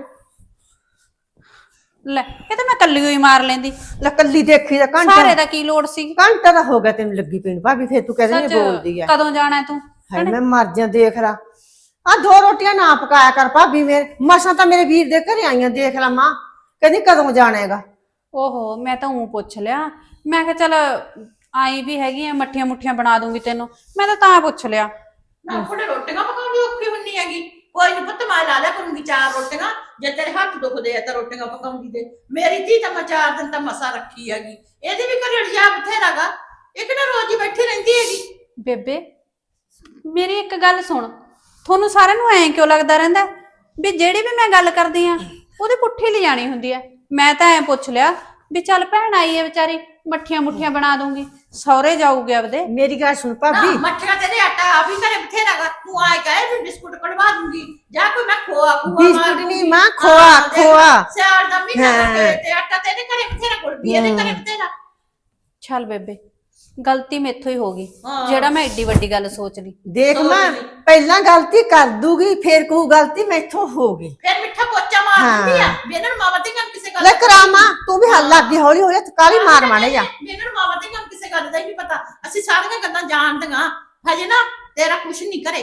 S2: ਲੈ ਇਹ ਤਾਂ ਮੈਂ ਕੱਲੀ ਹੋਈ ਮਾਰ ਲੈਂਦੀ,
S1: ਲੈ ਕੱਲੀ ਦੇਖੀ ਦਾ
S2: ਸਾਰੇ
S1: ਘੰਟਾ
S2: ਦਾ ਕੀ ਲੋੜ ਸੀ?
S1: ਘੰਟਾ ਦਾ ਹੋ ਗਿਆ ਤੈਨੂੰ ਲੱਗੀ ਪੀਣ ਭਾਬੀ, ਫੇਰ ਤੂੰ ਕਹਿੰਦੀ
S2: ਸੱਚ,
S1: ਬੋਲਦੀ ਆ।
S2: ਕਦੋਂ ਜਾਣਾ ਤੂੰ?
S1: ਹਾਏ ਮੈਂ ਮਰ ਜਾ, ਦੇਖ ਲਾ ਆ 2 ਰੋਟੀਆਂ ਨਾ ਪਕਾਇਆ ਕਰ ਭਾਬੀ। ਮੇਰੇ ਮਸਾਂ ਤਾਂ ਮੇਰੇ ਵੀਰ ਦੇ ਘਰੇ ਆਈਆਂ, ਦੇਖ ਲਾ ਮਾਂ ਕਹਿੰਦੀ ਕਦੋਂ ਜਾਣਾ ਹੈਗਾ।
S2: ਓਹੋ, ਮੈਂ ਤਾਂ ਉਹ ਪੁੱਛ ਲਿਆ, ਮੈਂ ਕਿਹਾ ਚੱਲ ਆਈ ਵੀ ਹੈਗੀ ਆ, ਮੱਠੀਆਂ ਮੁੱਠੀਆਂ ਬਣਾ ਦੂੰਗੀ ਤੈਨੂੰ, ਮੈਂ ਤਾਂ ਪੁੱਛ ਲਿਆ।
S4: ਨਾ ਆਪਣੇ ਰੋਟੀਆਂ ਪਕਾਉਣੀ ਔਖੀ ਹੁੰਨੀ ਹੈਗੀ। ਕੋਈ ਨੀ ਪੁੱਤ, ਮੈਂ ਲਾ ਲਿਆ ਕਰੂੰਗੀ 4 ਰੋਟੀਆਂ। ਜੇ ਤੇਰੇ ਹੱਥ ਦੁਖਦੇ ਆ ਤਾਂ ਰੋਟੀਆਂ ਪਕਾਉਂਦੀ ਤੇ। ਮੇਰੀ ਧੀ ਤਾਂ ਮੈਂ 4 ਦਿਨ ਤਾਂ ਮਸਾ ਰੱਖੀ ਹੈਗੀ। ਇਹਦੀ ਵੀ ਘਰੇ ਜਾ ਬਥੇਰਾਗਾ, ਇੱਕ ਨਾ ਰੋਜ਼ ਹੀ ਬੈਠੀ ਰਹਿੰਦੀ ਹੈਗੀ।
S2: ਬੇਬੇ ਮੇਰੀ ਇੱਕ ਗੱਲ ਸੁਣ, ਤੁਹਾਨੂੰ ਸਾਰਿਆਂ ਨੂੰ ਐਂ ਕਿਉਂ ਲੱਗਦਾ ਰਹਿੰਦਾ ਵੀ ਜਿਹੜੀ ਵੀ ਮੈਂ ਗੱਲ ਕਰਦੀ ਆ ਉਹਦੀ ਪੁੱਠੀ ਲਿਜਾਣੀ ਹੁੰਦੀ ਆ? ਮੈਂ ਤਾਂ ਐਂ ਪੁੱਛ ਲਿਆ ਵੀ ਚੱਲ ਭੈਣ ਆਈ ਹੈ ਵਿਚਾਰੀ, ਮੱਠੀਆਂ ਮੁੱਠੀਆਂ ਬਣਾ ਦੂੰਗੀ, ਸਹੁਰੇ ਜਾਊਗੇ ਆਪਦੇ।
S1: ਮੇਰੀ ਗੱਲ ਸੁਣ
S4: ਨਾ
S1: ਭਾਬੀ,
S4: ਮੱਠੀਆਂ ਤੇਰੇ ਆਟਾ ਆ ਵੀ ਘਰੇ ਬਥੇਰਾਗਾ। ਤੂੰ ਆਏ ਕਹੇ ਵੀ ਬਿਸਕੁਟ ਕਢਵਾ ਦੂੰਗੀ, ਜਾਂ ਕੋਈ ਮੈਂ ਖੋਆ
S1: ਬਿਸਕੁਟ ਨਹੀਂ ਮਾਂ, ਖੋਆ ਖੋਆ।
S4: ਸਿਆਲ ਦਾ ਮਹੀਨਾ ਤੇ ਆਟਾ ਤੇਰੇ ਘਰੇ ਬਥੇਰਾ, ਕੋਲ ਵੀ ਇਹਦੇ ਘਰੇ ਬਥੇਰਾ।
S2: ਚੱਲ ਬੇਬੇ, ਗਲਤੀ ਮੈਥੋਂ ਹੀ ਹੋ ਗਈ
S4: ਹਾਂ।
S2: ਜਿਹੜਾ ਮੈਂ ਏਡੀ ਵੱਡੀ ਗੱਲ ਸੋਚ ਲਈ।
S1: ਦੇਖ ਮਾਂ, ਪਹਿਲਾਂ ਗਲਤੀ ਕਰ ਦੂਗੀ, ਫੇਰ ਕਹੂ ਗਲਤੀ ਮੈਥੋਂ ਹੋ ਗਈ।
S4: ਫਿਰ ਮਿੱਠਾ ਪੋਚਾ ਮਾਰ ਦਿੰਦੀ ਆ ਵੀ ਇਹਨਾਂ ਨੂੰ ਮਾਵਾ ਤੇ ਕੰਮ ਕਿਸੇ ਗੱਲ
S1: ਲੈ ਕਰਾਮਾ, ਤੂੰ ਵੀ ਹੱਲ ਲੱਗ ਗਈ ਹੌਲੀ ਹੌਲੀ, ਕਾਲੀ ਮਾਰ ਮਾਣੇ ਜਾ।
S4: ਵੀ ਇਹਨਾਂ ਨੂੰ ਮਾਵਾ ਤੇ ਕੰਮ ਕਿਸੇ ਗੱਲ ਦਾ ਹੀ ਨਹੀਂ ਪਤਾ। ਅਸੀਂ ਸਾਰੀਆਂ ਗੱਲਾਂ ਜਾਣਦੀਆਂ, ਹਜੇ ਨਾ ਤੇਰਾ ਕੁਛ ਨਹੀਂ ਕਰੇ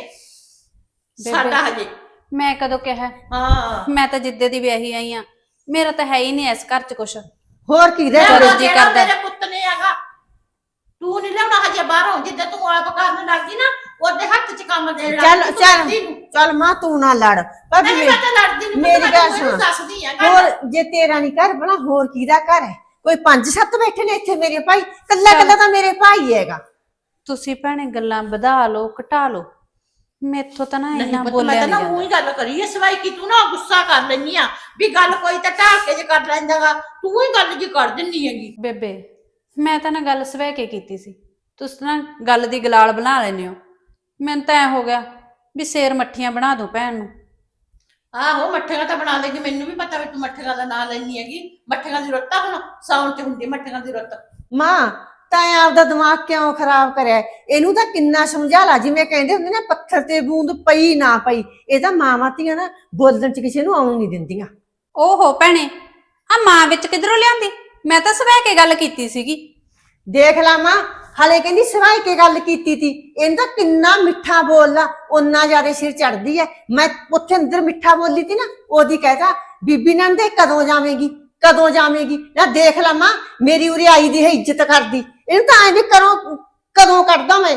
S4: ਸਾਡਾ ਹਜੇ।
S2: ਮੈਂ ਕਦੋਂ ਕਿਹਾ?
S4: ਹਾਂ
S2: ਮੈਂ ਤਾਂ ਜਿੱਦੇ ਦੀ ਵਿਆਹੀ ਆਈ ਆ, ਮੇਰਾ ਤਾਂ ਹੈ ਹੀ ਨਹੀਂ ਇਸ ਘਰ 'ਚ ਕੁਛ।
S1: ਹੋਰ ਕੀ ਦੇ
S4: ਮੇਰਾ
S2: ਰੋਜੀ
S4: ਜਿਹੜਾ
S2: ਕਰਦਾ।
S4: ਮੇਰੇ ਪੁੱਤ ਨੇ ਹੈਗਾ, ਤੂੰ ਨਹੀਂ ਲਿਆਉਣਾ ਹਜੇ ਬਾਹਰੋਂ। ਜਿੱਦਾਂ ਤੂੰ ਆਪ ਕਰਨ ਲੱਗ ਗਈ ਨਾ, ਉਹਦੇ ਹੱਥ 'ਚ ਕੰਮ ਦੇ
S1: ਚੱਲ ਚੱਲ ਚੱਲ ਮਾਂ, ਤੂੰ ਨਾ ਲੜ ਭਾਬੀ।
S4: ਨਹੀਂ ਮੈਂ ਤਾਂ ਲੜਦੀ ਨਹੀਂ,
S1: ਮੇਰੀ
S4: ਮੈਂ
S1: ਗੱਲ
S4: ਤਾਂ
S1: ਸੁਣ।
S4: ਦੱਸਦੀ ਆ।
S1: ਹੋਰ ਜੇ ਤੇਰਾ ਨਹੀਂ ਘਰ ਬਣਾ, ਹੋਰ ਕਿਹਦਾ ਘਰ ਹੈ? ਕੋਈ 5-7 ਬੈਠੇ ਨੇ ਇੱਥੇ ਮੇਰੇ ਭਾਈ, ਕੱਲਾ ਕੱਲਾ ਤਾਂ ਮੇਰੇ ਭਾਈ ਹੈਗਾ।
S2: ਤੁਸੀਂ ਭੈਣੇ ਗੱਲਾਂ ਵਧਾ ਲਓ ਘਟਾ ਲਓ, ਮੈਥੋਂ ਤਾਂ ਨਾ
S4: ਨਹੀਂ
S2: ਇੰਨਾ
S4: ਪੁੱਤ,
S2: ਬੋਲਿਆ
S4: ਮੈਂ ਤਾਂ ਨਾ
S2: ਨਹੀਂ
S4: ਮੂੰਹ
S2: ਜਾਂਦਾ।
S4: ਹੀ ਗੱਲ ਕਰੀ ਐ, ਸਵਾਈ ਕਿ ਤੂੰ ਨਾ ਗੁੱਸਾ ਕਰ ਲੈਨੀ ਆ ਵੀ ਗੱਲ ਕੋਈ ਤਾਂ ਢਾਲ ਕੇ ਜੇ ਕਰ ਲੈਂਦਾਗਾ, ਤੂੰ ਹੀ ਗੱਲ ਜੀ ਕਰ ਦਿੰਨੀ ਹੈਗੀ।
S2: ਬੇਬੇ ਮੈਂ ਤਾਂ ਨਾ ਗੱਲ ਸਵੈ ਕੇ ਕੀਤੀ ਸੀ, ਤੁਸੀਂ ਨਾ ਗੱਲ ਦੀ ਗਲਾਲ ਬਣਾ ਲੈਂਦੇ ਹੋ। ਮੈਨੂੰ ਤਾਂ ਐ ਹੋ ਗਿਆ ਵੀ ਸੇਰ ਮੱਠੀਆਂ ਬਣਾ ਦੂੰ ਭੈਣ ਨੂੰ।
S4: ਆਹੋ ਮੱਠੀਆਂ ਤਾਂ ਬਣਾ ਲੇਗੀ, ਮੈਨੂੰ ਵੀ ਪਤਾ ਵੀ ਤੂੰ ਮੱਠੀਆਂ ਦਾ ਨਾਂ ਲੈਣੀ ਹੈਗੀ। ਮੱਠੀਆਂ ਦੀ ਰੁੱਤ ਆ, ਹੁਣ ਸਾਉਣ ਚ ਹੁੰਦੀ ਮੱਠੀਆਂ ਦੀ ਰੁੱਤ।
S1: ਮਾਂ ਤਾਂ ਆਪਦਾ ਦਿਮਾਗ ਕਿਉਂ ਖਰਾਬ ਕਰਿਆ ਹੈ? ਇਹਨੂੰ ਤਾਂ ਕਿੰਨਾ ਸਮਝਾ ਲਾ, ਜਿਵੇਂ ਕਹਿੰਦੇ ਹੁੰਦੇ ਨਾ ਪੱਥਰ ਤੇ ਬੂੰਦ ਪਈ ਨਾ ਪਈ। ਇਹ ਤਾਂ ਮਾਵਾਂ ਧੀਆਂ ਨਾ ਬੋਲਣ ਚ ਕਿਸੇ ਨੂੰ ਆਉਣ ਨਹੀਂ ਦਿੰਦੀਆਂ।
S2: ਓਹੋ ਭੈਣੇ, ਆ ਮਾਂ ਵਿੱਚ ਕਿਧਰੋਂ ਲਿਆਂਦੀ? ਮੈਂ ਤਾਂ ਸਵੈ ਕੇ ਗੱਲ ਕੀਤੀ ਸੀਗੀ।
S1: ਦੇਖ ਲਾ ਮਾਂ, ਹਲੇ ਕਹਿੰਦੀ ਸਵਾਈ ਕੇ ਗੱਲ ਕੀਤੀ ਤੀ। ਇਹਨੂੰ ਤਾਂ ਕਿੰਨਾ ਮਿੱਠਾ ਬੋਲਦਾ, ਓਨਾ ਜ਼ਿਆਦਾ ਸਿਰ ਚੜਦੀ ਐ। ਮੈਂ ਉੱਥੇ ਅੰਦਰ ਮਿੱਠਾ ਬੋਲੀ ਤੀ ਨਾ, ਉਹਦੀ ਕਹਿਤਾ ਬੀਬੀ ਨੰਦੇ ਕਦੋਂ ਜਾਵੇਂਗੀ, ਕਦੋਂ ਜਾਵੇਂਗੀ। ਨਾ ਦੇਖ ਲਾ ਮਾਂ, ਮੇਰੀ ਉਰੇ ਆਈ ਦੀ ਹੈ ਇੱਜ਼ਤ ਕਰਦੀ। ਇਹਨੂੰ ਤਾਂ ਐਂ ਵੀ ਕਰੋ ਕਦੋਂ ਕੱਢਦਾ ਮੈਂ।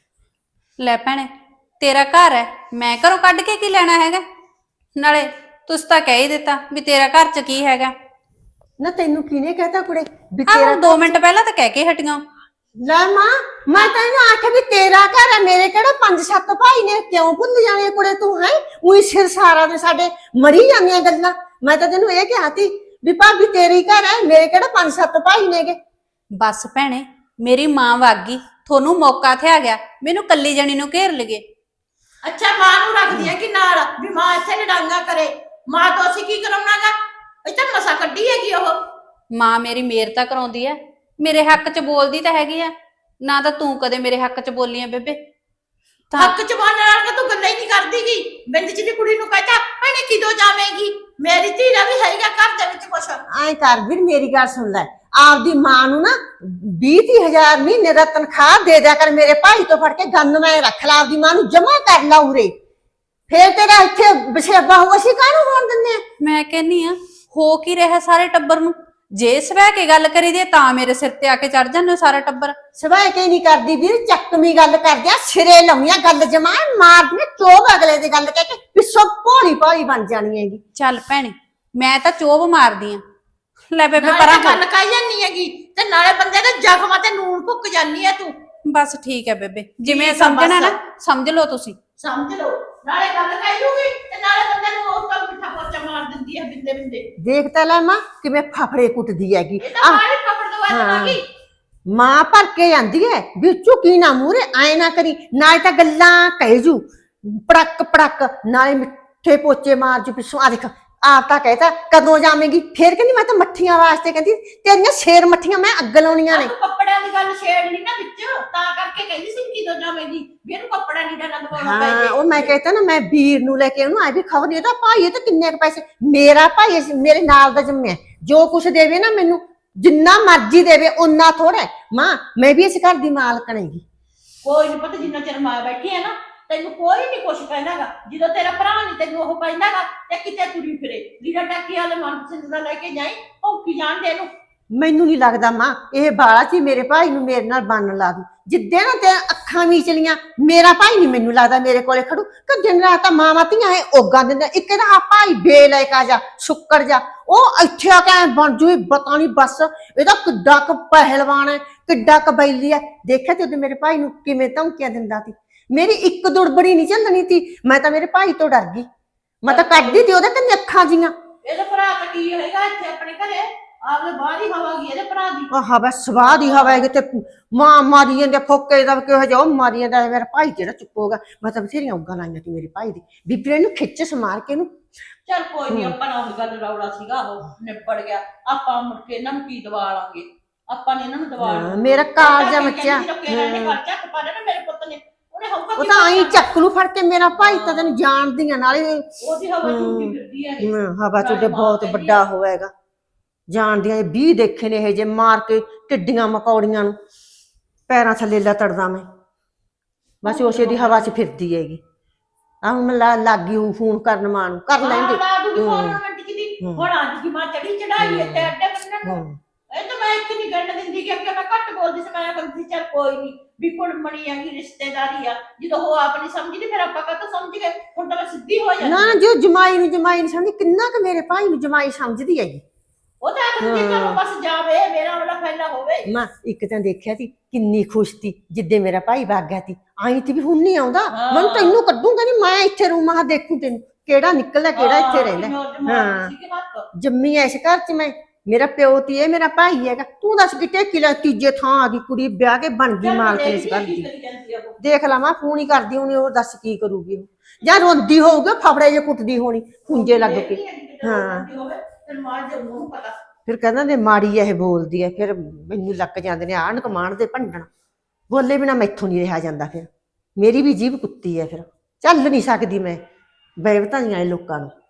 S2: ਲੈ ਭੈਣੇ, ਤੇਰਾ ਘਰ ਹੈ, ਮੈਂ ਘਰੋਂ ਕੱਢ ਕੇ ਕੀ ਲੈਣਾ ਹੈਗਾ? ਨਾਲੇ ਤੁਸੀਂ ਤਾਂ ਕਹਿ ਹੀ ਦਿੱਤਾ ਵੀ ਤੇਰਾ ਘਰ 'ਚ ਕੀ ਹੈਗਾ।
S1: ਨਾ ਤੈਨੂੰ ਕਿਹਨੇ ਕਹਿਤਾ ਕੁੜੇ ਵੀ
S2: ਆਹ
S1: ਤੇਰਾ?
S2: 2 ਮਿੰਟ ਪਹਿਲਾਂ ਤਾਂ ਕਹਿ ਕੇ ਹਟੀਆਂ।
S1: ਲੈ ਮਾਂ, ਮੈਂ ਤਾਂ ਇਹਨੂੰ ਆਖਿਆ ਵੀ ਤੇਰਾ ਘਰ ਹੈ, ਮੇਰੇ ਕਿਹੜਾ 5-7 ਭਾਈ ਨੇ, ਕਿਉਂ ਭੁੱਲ ਜਾਣੇ ਕੁੜੇ ਤੂੰ? ਹੈ ਉਹੀ ਸਿਰ ਸਾਰਾ ਦੇ ਸਾਡੇ ਮਰੀ ਜਾਂਦੀਆਂ ਗੱਲਾਂ। ਮੈਂ ਤਾਂ ਤੈਨੂੰ ਇਹ ਕਿਹਾ ਤੀ ਵੀ ਭਾਬੀ ਤੇਰੀ ਘਰ ਹੈ, ਮੇਰੇ ਕਿਹੜਾ 5-7 ਭਾਈ ਨੇਗੇ।
S2: ਬਸ ਭੈਣੇ, ਮੇਰੀ ਮਾਂ ਵਗ ਗਈ, ਤੁਹਾਨੂੰ ਮੌਕਾ ਥਿਆ ਗਿਆ, ਮੈਨੂੰ ਕੱਲੀ ਜਣੀ ਨੂੰ ਘੇਰ ਲਗੇ।
S4: ਅੱਛਾ, ਮਾਂ ਨੂੰ ਰੱਖਦੀ ਹੈ ਕਿ ਨਾਲ ਵੀ ਮਾਂ ਇੱਥੇ ਲੜਾਈਆਂ ਕਰੇ? ਮਾਂ ਤੋਂ ਅਸੀਂ ਕੀ ਕਰਾਉਣਾਗਾ? ਇਹ ਤਾਂ ਮਸਾ ਕੱਢੀ ਹੈਗੀ ਉਹ।
S2: ਮਾਂ ਮੇਰੀ ਮੇਰ ਤਾਂ ਕਰਾਉਂਦੀ ਐ, ਮੇਰੇ ਹੱਕ 'ਚ ਬੋਲਦੀ ਤਾਂ ਹੈਗੀ ਆ। ਨਾ ਤਾਂ ਤੂੰ ਕਦੇ ਮੇਰੇ ਹੱਕ 'ਚ ਬੋਲੀ ਆ ਬੇਬੇ।
S4: ਹੱਕ ਚ ਬੋਲਣ ਨਾਲ ਕਿ ਤੂੰ ਗੱਲਾਂ ਹੀ ਨਹੀਂ ਕਰਦੀਗੀ। ਬਿੰਦ ਜੀ ਦੀ ਕੁੜੀ ਨੂੰ ਕਹਤਾ ਭੈਣੇ ਕਿਦੋਂ ਜਾਵੇਂਗੀ? ਮੇਰੀ ਧੀ ਦਾ ਵੀ ਹੈਗਾ ਘਰ ਦੇ ਵਿੱਚ ਕੁਛ।
S1: ਐਂ ਕਰ ਵੀਰ, ਮੇਰੀ ਗੱਲ ਸੁਣ ਲੈ। ਆਪਦੀ ਮਾਂ ਨੂੰ ਨਾ 20-30 ਮਹੀਨੇ ਦਾ ਤਨਖਾਹ ਦੇ ਦਿਆ ਕਰ। ਮੇਰੇ ਭਾਈ ਤੋਂ ਫੜ ਕੇ ਗੰਨ ਮੈਂ ਰੱਖ ਲਾ, ਆਪਦੀ ਮਾਂ ਨੂੰ ਜਮਾ ਕਰ ਲਾ ਉਰੇ। ਫੇਰ ਤੇਰਾ ਇੱਥੇ ਬਸੇਬਾ ਹੋ, ਅਸੀਂ ਕਾਹਨੂੰ ਹੋਣ ਦਿੰਦੇ ਆ?
S2: ਮੈਂ ਕਹਿੰਨੀ ਆ, ਹੋ ਕੀ ਰਿਹਾ ਸਾਰੇ ਟੱਬਰ ਨੂੰ? ਜੇ ਸਵੈ ਕੇ ਗੱਲ ਕਰੀ ਦੇ ਤਾਂ ਮੇਰੇ ਸਿਰ ਤੇ ਆ ਕੇ ਚੜ ਜਾਂਦੇ ਹੋ ਸਾਰਾ ਟੱਬਰ।
S1: ਸਵਾਏ ਕੇ ਨਹੀਂ ਕਰਦੀ ਵੀਰ, ਚੱਕਵੀਂ ਗੱਲ ਕਰਦਿਆ, ਸਿਰੇ ਲਾਉਣੀਆਂ ਗੱਲ ਜਮਾ ਮਾਰਦੀਆਂ ਚੋਬ ਅਗਲੇ ਦੀ ਗੱਲ ਕਹਿ ਕੇ ਪਿੱਛੋਂ ਭੋਲੀ ਭਾਲੀ ਬਣ ਜਾਣੀ ਹੈਗੀ।
S2: ਚੱਲ ਭੈਣੇ, ਮੈਂ ਤਾਂ ਚੋਬ ਮਾਰਦੀ ਆ। ਲੈ ਬੇਬੇ
S4: ਨਾਲੇ
S2: ਪਰਾਂ
S4: ਤਾਂ ਗੱਲ ਕਾਈ ਜਾਂਦੀ ਹੈਗੀ ਤੇ ਨਾਲੇ ਬੰਦੇ ਦੇ ਜ਼ਖਮਾਂ ਤੇ ਨੂਨ ਭੁੱਕ ਜਾਂਦੀ ਹੈ ਤੂੰ।
S2: ਬਸ ਠੀਕ ਹੈ ਬੇਬੇ, ਜਿਵੇਂ
S4: ਠੀਕ ਆ
S2: ਸਮਝਣਾ
S4: ਬਸ।
S2: ਨਾ ਸਮਝ ਲਓ ਤੁਸੀਂ।
S4: ਸਮਝ ਲਓ, ਨਾਲੇ ਗੱਲ ਕਾਈ ਜੂਗੀ ਤੇ ਨਾਲੇ ਬੰਦੇ ਨੂੰ ਉਸ ਤੋਂ ਮਿੱਠਾ ਪੋਚਾ ਮਾਰ ਦਿੰਦੀ ਹੈ ਬਿੰਦੇ ਬਿੰਦੇ।
S1: ਦੇਖ ਤਾਂ ਲੈ ਮਾਂ ਕਿਵੇਂ ਫਫੜੇ ਕੁੱਟਦੀ ਹੈਗੀ।
S4: ਇਹ ਤਾਂ ਮਾਰੇ ਕੱਪੜ ਤੋਂ ਬਾਅਦ
S1: ਹਾਂ।
S4: ਆ ਗਈ।
S1: ਮਾਂ ਭਰ ਕੇ ਜਾਂਦੀ ਹੈ ਵੀ ਝੁਕੀ ਨਾ ਮੂਹਰੇ, ਐ ਨਾ ਕਰੀ। ਨਾਲੇ ਤਾਂ ਗੱਲਾਂ ਕਹਿ ਜੂ ਪੜਕ ਪੜਕ, ਨਾਲੇ ਮਿੱਠੇ ਪੋਚੇ ਮਾਰ ਜੂ ਪਿੱਛੋਂ। ਆ ਦੇਖ, ਆਪ ਤਾਂ ਕਹਿਤਾ ਕਦੋਂ ਜਾਵੇਂਗੀ, ਫੇਰ ਕਹਿੰਦੀ ਮੈਂ ਤਾਂ ਮੱਠੀਆਂ ਵਾਸਤੇ, ਕਹਿੰਦੀ ਤੇਰੀਆਂ ਸ਼ੇਰ ਮੱਠੀਆਂ ਮੈਂ ਅੱਗ ਲਾਉਣੀਆਂ ਨੇ।
S4: ਤੂੰ ਕੱਪੜਿਆਂ ਦੀ ਗੱਲ ਛੇੜ ਲਈ ਨਾ ਵਿੱਚ, ਤਾਂ ਕਰਕੇ ਕਹਿੰਦੀ ਸੀ ਕਿਦੋਂ ਜਾਵੇਂਗੀ ਵੀ ਇਹਨੂੰ ਕੱਪੜਾ ਨਹੀਂ ਦੇਣਾ ਦਵਾਉਣਾ ਪੈ
S1: ਹਾਂ,
S4: ਜੇ।
S1: ਉਹ ਮੈਂ ਕਹਿਤਾ ਨਾ, ਮੈਂ ਵੀਰ ਨੂੰ ਲੈ ਕੇ ਉਹਨੂੰ ਆਏ ਵੀ ਖਬਰ ਇਹਦਾ ਭਾਈ ਇਹ ਤਾਂ ਕਿੰਨੇ ਕੁ ਪੈਸੇ। ਮੇਰਾ ਭਾਈ ਮੇਰੇ ਨਾਲ ਦਾ ਜੰਮਿਆ, ਜੋ ਕੁਛ ਦੇਵੇ ਨਾ ਮੈਨੂੰ, ਜਿੰਨਾ ਮਰਜ਼ੀ ਦੇਵੇ ਓਨਾ ਥੋੜਾ। ਮਾਂ ਮੈਂ ਵੀ ਇਸ ਘਰ ਦੀ ਮਾਲਕਣ ਹੈਗੀ।
S4: ਕੋਈ ਨਹੀਂ ਪਤਾ, ਜਿੰਨਾ ਚਿਰ ਮਾਂ ਬੈਠੀ ਹੈ ਨਾ ਤੈਨੂੰ ਕੋਈ ਨਹੀਂ ਕੁਛ ਕਹਿੰਦਾਗਾ। ਜਦੋਂ ਤੇਰਾ ਭਰਾ ਨਹੀਂ ਤੈਨੂੰ ਉਹ ਕਹਿੰਦਾਗਾ ਤੇ ਕਿਤੇ ਤੁਰੀ ਫਿਰੇ ਲੀੜਾ ਟੱਕੀ ਵਾਲੇ ਮਨਪਸੰਦ ਦਾ ਲੈ ਕੇ ਜਾਈ, ਭੌਂਕੀ ਜਾਣ ਦੇ ਇਹਨੂੰ। ਮੈਨੂੰ
S1: ਨਹੀਂ ਲੱਗਦਾ ਮਾਂ ਇਹ ਬਾਲਾ ਚ ਮੇਰੇ ਭਾਈ ਨੂੰ ਮੇਰੇ ਨਾਲ ਬੰਨ ਲਾ ਦੂ। ਜਿੱਦੇ ਨਾ ਤੇ ਅੱਖਾਂ ਮੀਚਲੀਆਂ, ਮੇਰਾ ਭਾਈ ਨਹੀਂ ਮੈਨੂੰ ਲੱਗਦਾ ਮੇਰੇ ਕੋਲੇ ਖੜੂ। ਕਿ ਦਿਨ ਰਾਤ ਤਾਂ ਮਾਵਾਂ ਧੀਆਂ ਇਹ ਓਗਾ ਦਿੰਦਾ। ਇੱਕ ਇਹਦਾ ਭਾਈ ਬੇਲਾਇਕ ਆ ਜਾ, ਸ਼ੁੱਕਰ ਜਾ, ਉਹ ਇੱਥੇ ਆ ਕੇ ਬਣ ਜੂ ਪਤਾ ਨਹੀਂ। ਬਸ ਇਹਦਾ ਕਿੱਡਾ ਕੁ ਪਹਿਲਵਾਨ ਹੈ, ਕਿੱਡਾ ਕੁ ਬੈਲੀ ਹੈ। ਦੇਖਿਆ ਤੇ ਉਹਦੇ ਮੇਰੇ ਭਾਈ ਨੂੰ ਕਿਵੇਂ ਧਮਕੀਆਂ ਦਿੰਦਾ ਸੀ। ਮੇਰੀ ਇੱਕ ਦੁੜਬੜੀ ਨਹੀਂ ਚੱਲਣੀ ਸੀ। ਮੈਂ ਤਾਂ ਮੇਰੇ ਭਾਈ ਤੋਂ ਡਰ ਗਈ, ਮੈਂ ਤਾਂ ਕੱਢਦੀ ਤੀ ਉਹਦੇ ਤੇ ਅੱਖਾਂ ਜੀਆਂ।
S4: ਇਹਦਾ ਭਰਾ ਤਾਂ ਕੀ ਹੋਏਗਾ ਇੱਥੇ ਆਪਣੇ ਘਰੇ? ਆਪਦੇ ਬਾਹਰ ਹੀ ਹਵਾ ਗਈ ਇਹਦੇ ਭਰਾ ਦੀ।
S1: ਆਹ ਬਸ ਸਵਾਹ ਦੀ ਹਵਾ ਹੈ ਤੇ ਮਾਂ ਮਾਰੀ ਜਾਂਦੇ ਫੋਕੇ ਦਾ ਕਿਹੋ ਜਿਹਾ ਉਹ ਮਾਰੀ ਜਾਂਦਾ। ਮੇਰਾ ਭਾਈ ਜਿਹੜਾ ਚੁੱਪੋਗਾ। ਮੈਂ ਤਾਂ ਬਥੇਰੀਆਂ ਉੱਗਾਂ ਲਾਈਆਂ ਸੀ ਮੇਰੇ ਭਾਈ ਦੀ, ਬੀਬੀ ਇਹਨੂੰ ਖਿੱਚ ਸਮਾਰ ਕੇ ਇਹਨੂੰ।
S4: ਚੱਲ ਕੋਈ ਨਹੀਂ, ਆਪਾਂ ਨਾਲ ਉਹ ਗੱਲ ਰੌਲਾ ਸੀਗਾ, ਉਹ ਨਿਬੜ ਗਿਆ। ਆਪਾਂ ਮੁੜ ਕੇ ਇਹਨਾਂ ਨੂੰ ਕੀ ਦਵਾ ਲਾਂਗੇ? ਆਪਾਂ ਨੇ ਇਹਨਾਂ ਨੂੰ ਦਵਾ
S1: ਹਾਂ, ਮੇਰਾ ਕਾਲਜਾ ਬੱਚਾ।
S4: ਮੇਰੇ ਪੁੱਤ ਨੇ
S1: ਉਹ ਤਾਂ ਆਈ ਚੱਕ ਨੂੰ ਫੜ ਕੇ। ਮੇਰਾ ਭਾਈ ਤਾਂ ਤੈਨੂੰ ਜਾਣਦੀਆਂ, ਨਾਲੇ
S4: ਉਹਦੀ ਹਵਾ ਝੂਠੀ ਫਿਰਦੀ ਹੈ ਇਹ।
S1: ਹਵਾ ਚੋਂ ਬਹੁਤ ਵੱਡਾ ਹੋਵੇਗਾ। ਜਾਣਦੀਆਂ 20 ਦੇਖੇ ਨੇ ਇਹ ਜੇ ਮਾਰ ਕੇ ਟਿੱਡੀਆਂ ਮਕੌੜੀਆਂ ਨੂੰ ਪੈਰਾਂ ਥੱਲੇ ਲਤੜਦਾ ਮੈਂ। ਬਸ ਉਸੇ ਦੀ ਹਵਾ 'ਚ ਫਿਰਦੀ ਹੈਗੀ। ਆਹ ਹੁਣ ਲੱਗੀ ਹੂੰ ਫੋਨ ਕਰਨ ਮਾਂ ਨੂੰ, ਕਰ ਲੈਂਦੇ।
S4: ਹੁਣ ਅੱਜ ਦੀ ਮਾਂ ਚੜੀ ਚੜਾਈ ਇੱਥੇ ਅੱਡੇ ਬੰਨਣ ਨੂੰ। ਇਹ ਤਾਂ ਮੈਂ ਇੱਕ ਨਹੀਂ ਗੰਢ ਦਿੰਦੀ ਕਿ ਮੈਂ ਘੱਟ ਬੋਲਦੀ ਸੀ। ਮੈਂ ਕਹਿੰਦੀ ਚੱਲ ਕੋਈ ਨਹੀਂ ਵੀ ਕੁੜਮਣੀ ਹੈਗੀ, ਰਿਸ਼ਤੇਦਾਰੀ ਆ। ਜਦੋਂ ਉਹ ਆਪ ਨਹੀਂ ਸਮਝਦੀ ਫਿਰ ਆਪਾਂ ਕਾਹਤੋਂ ਸਮਝ ਗਏ? ਹੁਣ ਤਾਂ ਮੈਂ ਸਿੱਧੀ ਹੋ ਜਾਂਦੀ।
S1: ਨਾ ਜੋ ਜਮਾਈ ਨੂੰ ਨਹੀਂ ਸਮਝਦੀ, ਕਿੰਨਾ ਕੁ ਮੇਰੇ ਭਾਈ ਨੂੰ ਜਮਾਈ ਸਮਝਦੀ ਹੈਗੀ।
S4: ਉਹ ਤਾਂ ਆਖਦੀ ਚਲੋ ਬਸ ਜਾਵੇ, ਮੇਰਾ ਵਾਲਾ ਫੈਲਾ ਹੋਵੇ।
S1: ਮਾਂ ਇੱਕ ਤਾਂ ਦੇਖਿਆ ਸੀ ਕਿੰਨੀ ਖੁਸ਼ ਸੀ ਜਿੱਦੇ ਮੇਰਾ ਭਾਈ ਵਗ ਗਿਆ ਸੀ। ਆਈ ਤੇ ਵੀ ਹੁਣ ਨਹੀਂ ਆਉਂਦਾ। ਮੈਨੂੰ ਤੈਨੂੰ ਕੱਢੂਗਾ ਨਹੀਂ, ਮੈਂ ਇੱਥੇ ਰੂਮਾਂ ਦੇਖੂ ਤੈਨੂੰ ਕਿਹੜਾ ਨਿਕਲਦਾ ਕਿਹੜਾ ਇੱਥੇ ਰਹਿੰਦਾ। ਹਾਂ, ਜੰਮੀ ਐ ਇਸ ਘਰ 'ਚ ਮੈਂ। ਮੇਰਾ ਪਿਓ ਤੀ ਇਹ ਮੇਰਾ ਭਾਈ ਹੈਗਾ। ਤੂੰ ਦੱਸ ਕਿਤੇ ਕਿਲਾ ਤੀਜੇ ਥਾਂ ਆ ਗਈ ਕੁੜੀ, ਵਿਆਹ ਕੇ ਬਣ ਗਈ ਮਾਲਕ ਇਸ ਘਰ ਦੀ। ਦੇਖ ਲਾ ਮਾਂ ਫੋਨ ਹੀ ਕਰਦੀ ਹੋਣੀ, ਉਹ ਦੱਸ ਕੀ ਕਰੂਗੀ ਉਹ। ਜਾਂ ਰੋਂਦੀ ਹੋਊਗੀ ਫਫੜੇ ਜੇ ਕੁੱਟਦੀ ਹੋਣੀ ਖੁੰਝੇ ਲੱਗ ਕੇ। ਹਾਂ ਫਿਰ ਕਹਿੰਦਾ ਨੇ ਮਾੜੀ ਇਹ ਬੋਲਦੀ ਹੈ, ਫਿਰ ਮੈਨੂੰ ਲੱਗ ਜਾਂਦੇ ਨੇ ਆਂਢ ਗੁਆਂਢ ਦੇ ਭੰਡਣ। ਬੋਲੇ ਬਿਨਾ ਮੈਥੋਂ ਨਹੀਂ ਰਿਹਾ ਜਾਂਦਾ, ਫਿਰ ਮੇਰੀ ਵੀ ਜੀਭ ਕੁੱਤੀ ਹੈ, ਫਿਰ ਚੱਲ ਨਹੀਂ ਸਕਦੀ ਮੈਂ ਬੇਵਤਾਈਆਂ ਇਹ ਲੋਕਾਂ ਨੂੰ।